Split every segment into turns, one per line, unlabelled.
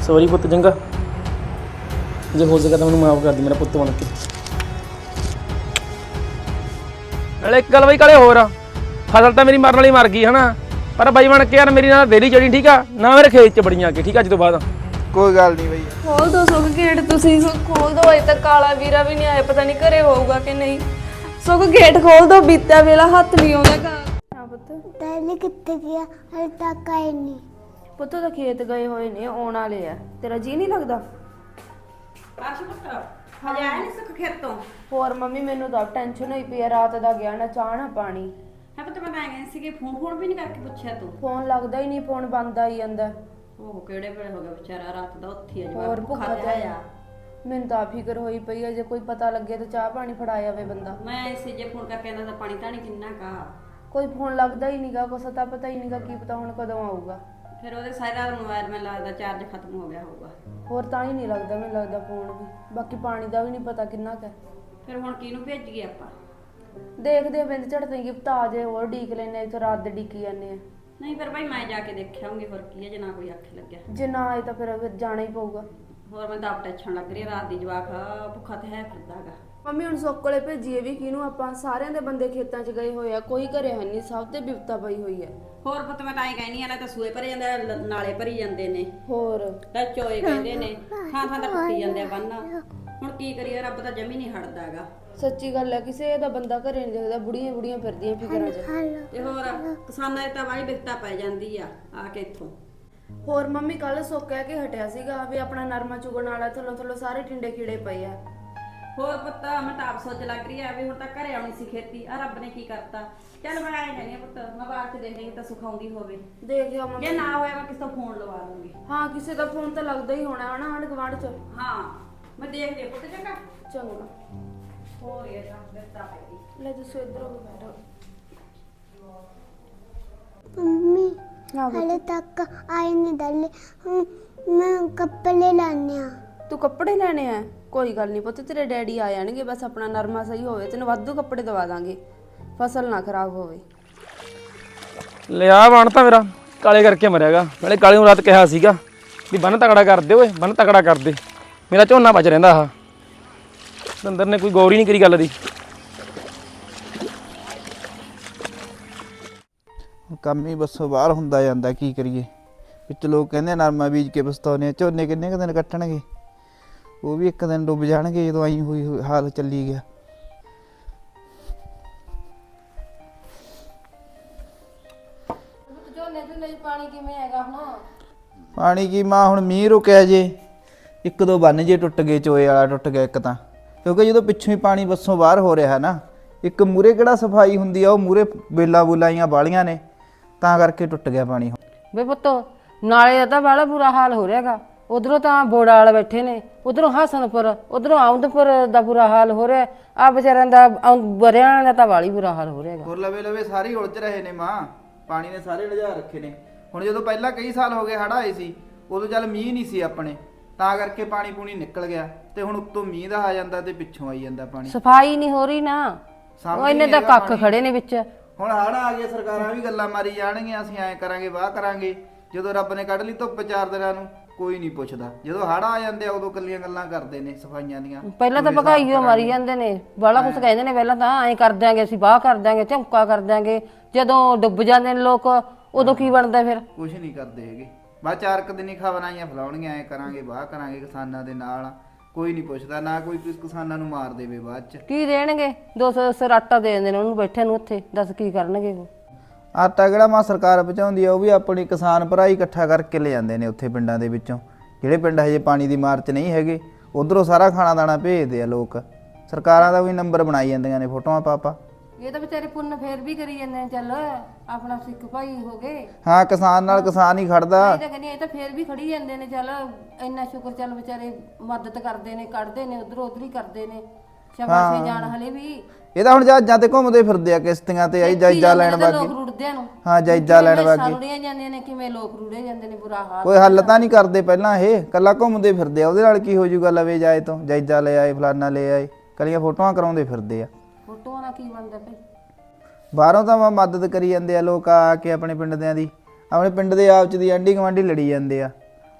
Sorry ਪੁੱਤ ਚੰਗਾ, ਜੇ ਹੋ ਸਕੇ ਤਾਂ ਮੈਨੂੰ ਮਾਫ ਕਰ ਦੇ ਮੇਰਾ ਪੁੱਤ ਬਣ ਕੇ। ਨਾਲੇ ਇੱਕ ਗੱਲ ਬਈ ਕਾਲੇ ਹੋਰ ਆ, ਫਸਲ ਤਾਂ ਮੇਰੀ ਮਰਨ ਵਾਲੀ ਮਰ ਗਈ ਹਨਾ, ਪਰ ਬਾਈ ਬਣ ਕੇ ਯਾਰ ਮੇਰੀ ਨਾਲ ਦੇਰੀ ਚੜੀ ਠੀਕ ਆ ਨਾ, ਮੇਰੇ ਖੇਤ 'ਚ ਬੜੀਆਂ ਕੇ ਠੀਕ ਆ। ਅੱਜ ਤੋਂ ਬਾਅਦ
ਕੋਈ ਗੱਲ ਨਹੀਂ ਬਈ।
ਖੋਲ ਦੋ ਸੁੱਖ ਗੇਟ, ਤੁਸੀਂ ਖੋਲ ਦੋ। ਅਜੇ ਤੱਕ ਕਾਲਾ ਵੀਰਾ ਵੀ ਨਹੀਂ ਆਇਆ, ਪਤਾ ਨਹੀਂ ਘਰੇ ਹੋਊਗਾ ਕਿ ਨਹੀਂ। ਸੁੱਖ ਗੇਟ ਖੋਲ ਦੋ, ਬੀਤਾ ਵੇਲਾ ਹੱਥ ਨਹੀਂ ਆਉਂਦਾ। ਹਾਂ ਪੁੱਤ
ਦਾਦੀ ਕਿੱਥੇ ਗਿਆ? ਹਲੇ ਤੱਕ ਆਏ ਨਹੀਂ।
ਪੁੱਤ ਤਾਂ ਖੇਤ ਗਏ ਹੋਏ ਨੇ, ਆਉਣ ਵਾਲੇ ਆ। ਤੇਰਾ ਜੀ ਨਹੀਂ ਲੱਗਦਾ?
ਕਾਸ਼ ਪੁੱਤ ਹਜੇ ਆਇਆ ਨਹੀਂ ਸੁੱਖ ਖੇਤ ਤੋਂ?
ਹੋਰ ਮੰਮੀ ਮੈਨੂੰ ਤਾਂ ਟੈਨਸ਼ਨ ਹੋਈ ਪਈ ਆ, ਰਾਤ ਦਾ ਗਿਆ ਨਾ ਚਾਹ ਨਾ ਪਾਣੀ।
ਹੈ ਪੁੱਤ ਮੈਂ ਤਾਂ ਗਈ ਸੀਗੀ, ਫੋਨ ਵੀ ਨਹੀਂ ਕਰਕੇ ਪੁੱਛਿਆ ਤੂੰ?
ਫੋਨ ਲੱਗਦਾ ਹੀ ਨਹੀਂ, ਫੋਨ ਬੰਦ ਆਈ ਜਾਂਦਾ।
ਉਹ ਕਿਹੜੇ ਵੇਲੇ ਹੋ ਗਿਆ ਵਿਚਾਰਾ, ਰਾਤ ਦਾ ਉੱਥੇ ਹੀ
ਹੋਰ
ਜਵਾਬ
ਭੁੱਖਾ
ਖਾਧਾ ਆ।
ਮੈਨੂੰ ਤਾਂ ਫਿਕਰ ਹੋਈ ਪਈ ਆ, ਜੇ ਕੋਈ ਪਤਾ ਲੱਗੇ ਤਾਂ ਚਾਹ ਪਾਣੀ ਫੜਾ ਜਾਵੇ ਬੰਦਾ।
ਮੈਂ ਇਸੇ ਜੇ ਫੋਨ ਕਰਕੇ ਆਂਦਾ ਤਾਂ ਪਾਣੀ ਧਾਣੀ ਕਿੰਨਾ ਕਾ।
ਕੋਈ ਫੋਨ ਲੱਗਦਾ ਹੀ ਨਹੀਂਗਾ, ਕੁਛ ਤਾਂ ਪਤਾ ਹੀ ਨਹੀਂਗਾ ਕੀ ਪਤਾ ਹੁਣ ਕਦੋਂ ਆਊਗਾ।
ਫਿਰ ਉਹਦੇ ਸਾਰਾ ਮੋਬਾਈਲ ਮੈਨੂੰ ਲੱਗਦਾ ਚਾਰਜ ਖਤਮ ਹੋ ਗਿਆ ਹੋਊਗਾ।
ਹੋਰ ਤਾਂ ਹੀ ਨਹੀਂ ਲੱਗਦਾ, ਮੈਨੂੰ ਲੱਗਦਾ ਫੋਨ ਵੀ। ਬਾਕੀ ਪਾਣੀ ਦਾ ਵੀ ਨਹੀਂ ਪਤਾ ਕਿੰਨਾ ਕੁ ਹੈ।
ਫਿਰ ਹੁਣ ਕਿਹਨੂੰ ਭੇਜੀਏ ਆਪਾਂ?
ਦੇਖਦੇ ਆ ਬਿੰਦ ਝੜਦੇ ਗਿਫਟ ਆ ਜੇ, ਹੋਰ ਢੀਕ ਲੈਨੇ, ਇੱਥੇ ਰਾਤ ਦੇ ਢੀਕੀ ਜਾਂਦੇ ਆ।
ਨਹੀਂ ਫਿਰ ਭਾਈ ਮੈਂ ਜਾ ਕੇ ਦੇਖਿਆਉਂਗੀ, ਹੋਰ ਕੀ ਹੈ ਜੇ ਨਾ ਕੋਈ ਆਖੇ ਲੱਗਿਆ।
ਜੇ ਨਾ ਆਏ ਤਾਂ ਫਿਰ ਜਾਣਾ ਹੀ ਪਊਗਾ।
ਹੋਰ ਮੈਂ ਤਾਂ ਆਪ ਟੈਨਸ਼ਨ ਲੱਗ ਰਹੀ ਹੈ, ਰਾਤ ਦੀ ਜਵਾਕ ਭੁੱਖਾ ਤੇ ਹੈ ਫਿਰਦਾਗਾ।
ਮੰਮੀ ਹੁਣ ਸੁੱਕ ਕੋਲੇ ਭੇਜੀਏ ਵੀ ਕਿਹਨੂੰ ਆਪਾਂ? ਸਾਰਿਆਂ ਦੇ ਬੰਦੇ ਖੇਤਾਂ 'ਚ ਗਏ ਹੋਏ ਆ, ਕੋਈ ਘਰੇ ਹੈ ਨਹੀਂ, ਸਭ ਤੇ ਬਿਪਤਾ ਪਈ ਹੋਈ ਹੈ।
ਹੋਰ ਪੁੱਤ ਮੈਂ ਤਾਂ ਇਹ ਕਹਿਨੀ ਆ, ਨਾ ਤਾਂ ਸੂਏ ਭਰੇ ਜਾਂਦੇ ਆ, ਨਾਲੇ ਭਰੀ ਜਾਂਦੇ ਨੇ,
ਹੋਰ
ਤਾਂ ਚੋਏ ਕਹਿੰਦੇ ਨੇ, ਥਾਂ ਥਾਂ ਤਾਂ ਟੁੱਟੀ ਜਾਂਦੇ ਆ ਬੰਨ। ਹੁਣ ਕੀ ਕਰੀਏ, ਰੱਬ ਤਾਂ ਜਮੀ ਨਹੀਂ ਹਟਦਾਗਾ।
ਸੱਚੀ ਗੱਲ ਹੈ, ਕਿਸੇ ਦਾ ਬੰਦਾ ਘਰੇ ਨਹੀਂ ਦਿਖਦਾ, ਬੁੜੀਆਂ ਬੁੜੀਆਂ ਫਿਰਦੀਆਂ ਫਿਕਰਾਂ 'ਚ।
ਤੇ ਹੋਰ ਕਿਸਾਨਾਂ ਦੀ ਤਾਂ ਵਾਲੀ ਬਿਪਤਾ ਪੈ ਜਾਂਦੀ ਆ ਕੇ ਇੱਥੋਂ।
ਹੋਰ ਮੰਮੀ ਕੱਲ ਸੁੱਕ ਕਹਿ ਕੇ ਹਟਿਆ ਸੀਗਾ ਵੀ ਆਪਣਾ ਨਰਮਾ ਚੁਗਣ ਵਾਲਾ, ਥੱਲੋਂ ਥੱਲੋਂ ਸਾਰੇ ਟਿੰਡੇ ਕੀੜੇ ਪਏ ਆ।
ਹੋਰ ਪੁੱਤ ਮੈਂ ਤਾਂ ਆਪ ਸੋਚ ਲੱਗ ਰਹੀ ਆ ਵੀ ਹੁਣ ਤਾਂ ਘਰੇ ਆਉਣੀ ਸੀ ਖੇਤੀ, ਆ ਰੱਬ ਨੇ ਕੀ ਕਰਤਾ। ਚੱਲ ਮੈਂ ਆਏ ਜਾਨੀ ਆ ਪੁੱਤ, ਮੈਂ ਬਾਹਰ ਤੇ ਦੇਖ ਲਈ ਤਾਂ ਸੁਖਾਉਂਦੀ ਹੋਵੇ।
ਦੇਖਿਆ ਮੰਮੀ,
ਜੇ ਨਾ ਹੋਇਆ ਮੈਂ ਕਿਸੇ ਤੋਂ ਫੋਨ ਲਵਾ ਦੂੰਗੀ।
ਹਾਂ ਕਿਸੇ ਦਾ ਫੋਨ ਤਾਂ ਲੱਗਦਾ ਹੀ ਹੋਣਾ ਹਨਾ ਆਂਢ ਗੁਆਂਢ 'ਚ।
ਹਾਂ ਮੈਂ ਦੇਖ ਲਿਆ ਪੁੱਤ ਚੰਗਾ।
ਚੰਗਾ
ਹੋਰ ਇਹ ਤਾਂ ਬਿਪਤਾ ਪੈ ਗਈ।
ਲੈ ਤੁਸੀਂ ਇੱਧਰ ਹੋ ਕੇ ਬੈਠੋ।
ਮੰਮੀ
ਹਾਂ
ਹਲੇ ਤੱਕ ਆਏ ਨਹੀਂ ਦਾਦੀ। ਮੈਂ ਕੱਪੜੇ ਲਾਣੇ ਆ।
ਤੂੰ ਕੱਪੜੇ ਲੈਣੇ ਆ? ਕੋਈ ਗੱਲ ਨਹੀਂ ਪੁੱਤ, ਤੇਰੇ ਡੈਡੀ ਆ ਜਾਣਗੇ, ਬਸ ਆਪਣਾ ਨਰਮਾ ਸਹੀ ਹੋਵੇ, ਤੈਨੂੰ ਵਾਧੂ ਕੱਪੜੇ ਦਵਾ ਦਾਂਗੇ, ਫਸਲ ਨਾ ਖਰਾਬ ਹੋਵੇ।
ਲਿਆ ਬਣ ਤਾਂ ਮੇਰਾ ਕਾਲੇ ਕਰਕੇ ਮਰਿਆਗਾ। ਨਾਲੇ ਕਾਲੇ ਨੂੰ ਰਾਤ ਕਿਹਾ ਸੀਗਾ ਵੀ ਬੰਨ ਤਕੜਾ ਕਰ ਦੇ ਓਏ, ਬੰਨ ਤਕੜਾ ਕਰ ਦੇ, ਮੇਰਾ ਝੋਨਾ ਬਚ ਰਹਿੰਦਾ। ਆਹ ਦੰਦਰ ਨੇ ਕੋਈ ਗੌਰ ਹੀ ਨਹੀਂ ਕਰੀ ਗੱਲ ਦੀ।
ਕੰਮ ਹੀ ਬੱਸੋਂ ਬਾਹਰ ਹੁੰਦਾ ਜਾਂਦਾ, ਕੀ ਕਰੀਏ। ਵਿੱਚ ਲੋਕ ਕਹਿੰਦੇ ਨਰਮਾ ਬੀਜ ਕੇ ਪਛਤਾਉਂਦੇ ਆ, ਝੋਨੇ ਕਿੰਨੇ ਕੁ ਦਿਨ ਕੱਟਣਗੇ, ਉਹ ਵੀ ਇੱਕ ਦਿਨ ਡੁੱਬ ਜਾਣਗੇ ਜਦੋਂ ਆਈ ਹੋਈ ਹਾਲ ਚੱਲੀ ਗਿਆ।
ਪਾਣੀ ਕਿਵੇਂ ਹੈਗਾ ਹੁਣ?
ਪਾਣੀ ਕੀ ਮਾਂ, ਹੁਣ ਮੀਂਹ ਰੁਕਿਆ ਜੇ, ਇੱਕ ਦੋ ਬੰਨ ਜੇ ਟੁੱਟ ਗਏ, ਚੋਏ ਵਾਲਾ ਟੁੱਟ ਗਿਆ ਇੱਕ ਤਾਂ, ਕਿਉਂਕਿ ਜਦੋਂ ਪਿੱਛੋਂ ਹੀ ਪਾਣੀ ਬੱਸੋਂ ਬਾਹਰ ਹੋ ਰਿਹਾ ਨਾ, ਇੱਕ ਮੂਰੇ ਕਿਹੜਾ ਸਫਾਈ ਹੁੰਦੀ ਆ, ਉਹ ਮੂਰੇ ਬੇਲਾ ਬੁਲਾਈਆਂ ਬਾਲੀਆਂ ਨੇ, ਤਾਂ ਕਰਕੇ ਟੁੱਟ ਗਿਆ ਪਾਣੀ।
ਵੇ ਪੁੱਤ ਨਾਲੇ ਦਾ ਤਾਂ ਬੜਾ ਬੁਰਾ ਹਾਲ ਹੋ ਰਿਹਾਗਾ, ਉਧਰੋਂ ਤਾਂ ਬੋੜਾ ਵਾਲੇ ਬੈਠੇ ਨੇ, ਉਧਰੋਂ ਹਸਨਪੁਰ, ਉਧਰੋਂ ਆਉਂਦਪੁਰ ਦਾ ਬੁਰਾ ਹਾਲ ਹੋ ਰਿਹਾ, ਆ ਵਿਚਾਰਿਆਂ ਦਾ ਬਰਿਆਂ ਦਾ ਤਾਂ ਵਾਲੀ ਬੁਰਾ ਹਾਲ ਹੋ ਰਿਹਾਗਾ।
ਹੋਰ ਲਵੇ ਲਵੇ ਸਾਰੇ ਉਲਝ ਰਹੇ ਨੇ ਮਾਂ, ਪਾਣੀ ਨੇ ਸਾਰੇ ਲਿਜਾ ਰੱਖੇ ਨੇ। ਹੁਣ ਜਦੋਂ ਪਹਿਲਾਂ ਕਈ ਸਾਲ ਹੋ ਗਏ ਹੜ੍ਹ ਆਏ ਸੀ, ਉਦੋਂ ਚੱਲ ਮੀਂਹ ਨਹੀਂ ਸੀ ਆਪਣੇ, ਤਾਂ ਕਰਕੇ ਪਾਣੀ ਪੂਣੀ ਨਿਕਲ ਗਿਆ, ਤੇ ਹੁਣ ਉੱਤੋਂ ਮੀਂਹ ਦਾ ਆ ਜਾਂਦਾ ਤੇ ਪਿੱਛੋਂ ਆਈ ਜਾਂਦਾ ਪਾਣੀ।
ਸਫਾਈ ਨਹੀਂ ਹੋ ਰਹੀ ਨਾ, ਉਹ ਇਹਨੇ ਤਾਂ ਕੱਖ ਖੜੇ ਨੇ ਵਿੱਚ।
ਹੁਣ ਹੜ੍ਹ ਆ ਗਿਆ, ਸਰਕਾਰਾਂ ਵੀ ਗੱਲਾਂ ਮਾਰੀ ਜਾਣਗੀਆਂ, ਅਸੀਂ ਐਂ ਕਰਾਂਗੇ ਵਾਹ ਕਰਾਂਗੇ। ਜਦੋਂ ਰੱਬ ਨੇ ਕੱਢ ਲਈ ਧੁੱਪ 4 ਦਿਨਾਂ ਨੂੰ, ਕੋਈ ਨਹੀਂ ਪੁੱਛਦਾ। ਜਦੋਂ ਹੜ੍ਹ ਆ ਜਾਂਦੇ ਆ ਉਦੋਂ ਕੱਲੀਆਂ ਗੱਲਾਂ ਕਰਦੇ ਨੇ ਸਫਾਈਆਂ ਦੀਆਂ।
ਪਹਿਲਾਂ ਤਾਂ ਭਗਾਈਓ ਮਾਰੀ ਜਾਂਦੇ ਨੇ, ਬਾਲਾ ਕੁਛ ਕਹਿੰਦੇ ਨੇ, ਪਹਿਲਾਂ ਤਾਂ ਐਂ ਕਰ ਦਿਆਂਗੇ ਅਸੀਂ, ਵਾਹ ਕਰ ਦਿਆਂਗੇ, ਝੁਮਕਾ ਕਰ ਦਿਆਂਗੇ। ਜਦੋਂ ਡੁੱਬ ਜਾਂਦੇ ਨੇ ਲੋਕ, ਉਦੋਂ ਕੀ ਬਣਦਾ ਫਿਰ?
ਕੁਝ ਨਹੀਂ ਕਰਦੇ ਹੈਗੇ, ਬਸ 4 ਕੁ ਦਿਨ ਹੀ ਖਬਰਾਂ ਆਈਆਂ ਫਲਾਉਣਗੀਆਂ, ਐਂ ਕਰਾਂਗੇ ਵਾਹ ਕਰਾਂਗੇ ਕਿਸਾਨਾਂ ਦੇ ਨਾਲ। ਕੋਈ ਨਹੀਂ ਪੁੱਛਦਾ, ਨਾ ਕੋਈ ਕਿਸਾਨਾਂ ਨੂੰ ਮਾਰ ਦੇਵੇ ਬਾਅਦ ਚ।
ਕੀ ਦੇਣਗੇ? 200 ਸਿਰ ਆਟਾ ਦੇ ਦਿੰਦੇ ਨੇ ਉਹਨੂੰ ਬੈਠੇ ਨੂੰ ਉੱਥੇ, ਦੱਸ ਕੀ ਕਰਨਗੇ ਉਹ?
ਆਟਾ ਕਿਹੜਾ ਮਾਂ ਸਰਕਾਰ ਪਹੁੰਚਾਉਂਦੀ ਆ, ਉਹ ਵੀ ਆਪਣੀ ਕਿਸਾਨ ਭਰਾ ਹੀ ਇਕੱਠਾ ਕਰਕੇ ਲੈ ਜਾਂਦੇ ਨੇ ਉੱਥੇ ਪਿੰਡਾਂ ਦੇ ਵਿੱਚੋਂ, ਜਿਹੜੇ ਪਿੰਡ ਹਜੇ ਪਾਣੀ ਦੀ ਮਾਰ 'ਚ ਨਹੀਂ ਹੈਗੇ, ਉਧਰੋਂ ਸਾਰਾ ਖਾਣਾ ਦਾਣਾ ਭੇਜਦੇ ਆ ਲੋਕ। ਸਰਕਾਰਾਂ ਦਾ ਵੀ ਨੰਬਰ ਬਣਾਈ ਜਾਂਦੀਆਂ ਨੇ ਫੋਟੋਆਂ ਪਾ।
ਇਹ ਤਾਂ ਵਿਚਾਰੇ ਪੁੰਨ ਫੇਰ ਵੀ ਕਰੀ ਜਾਂਦੇ ਨੇ, ਚੱਲ ਆਪਣਾ ਸਿੱਖ ਭਾਈ ਹੋ ਗਏ।
ਹਾਂ, ਕਿਸਾਨ ਨਾਲ ਕਿਸਾਨ ਹੀ ਖੜਦਾ।
ਇਹ ਤਾਂ ਕਹਿੰਦੀ ਇਹ ਤਾਂ ਫੇਰ ਵੀ ਖੜੀ ਜਾਂਦੇ ਨੇ, ਚੱਲ ਇੰਨਾ ਸ਼ੁਕਰ, ਚੱਲ ਵਿਚਾਰੇ ਮਦਦ ਕਰਦੇ ਨੇ, ਕੱਢਦੇ ਨੇ ਉਧਰੋਂ ਉਧਰ ਹੀ ਕਰਦੇ ਨੇ, ਸ਼ਾਬਾਸ਼ੇ ਜਾਣ ਹਲੇ ਵੀ।
ਇਹ ਤਾਂ ਹੁਣ ਜਹਾਜ਼ਾਂ ਤੇ ਘੁੰਮਦੇ ਫਿਰਦੇ ਆ, ਕਿਸ਼ਤੀਆਂ ਤੇ ਆਈ ਜਾਇਜ਼ਾ ਲੈਣ
ਲੋਕ
ਵਾਗੇ।
ਰੁੜਦਿਆਂ ਨੂੰ,
ਹਾਂ, ਜਾਇਜ਼ਾ ਲੈਣ ਵਾਗੇ।
ਰੁੜੀਆਂ ਜਾਂਦੀਆਂ ਨੇ, ਕਿਵੇਂ ਲੋਕ ਰੁੜੇ ਜਾਂਦੇ ਨੇ, ਬੁਰਾ ਹਾਲ।
ਕੋਈ ਹੱਲ ਤਾਂ ਨਹੀਂ ਕਰਦੇ ਪਹਿਲਾਂ, ਇਹ ਕੱਲਾ ਘੁੰਮਦੇ ਫਿਰਦੇ ਆ। ਉਹਦੇ ਨਾਲ ਕੀ ਹੋ ਜਾਊਗਾ? ਲਵੇ ਜਾਏ ਤੋਂ ਜਾਇਜ਼ਾ ਲੈ ਆਏ, ਫਲਾਨਾ ਲੈ ਆਏ, ਕੱਲੀਆਂ ਫੋਟੋਆਂ ਕਰਾਉਂਦੇ ਫਿਰਦੇ ਆ।
ਫੋਟੋਆਂ ਨਾਲ ਕੀ ਬਣਦਾ ਭਾਈ?
ਬਾਹਰੋਂ ਤਾਂ ਮਦਦ ਕਰੀ ਜਾਂਦੇ ਆ ਲੋਕ ਆ ਕੇ ਆਪਣੇ ਪਿੰਡ ਦਿਆਂ ਦੀ, ਆਪਣੇ ਪਿੰਡ ਦੇ ਆਪ ਚ ਦੀ ਆਂਢੀ ਗੁਆਂਢੀ ਲੜੀ ਜਾਂਦੇ ਆ।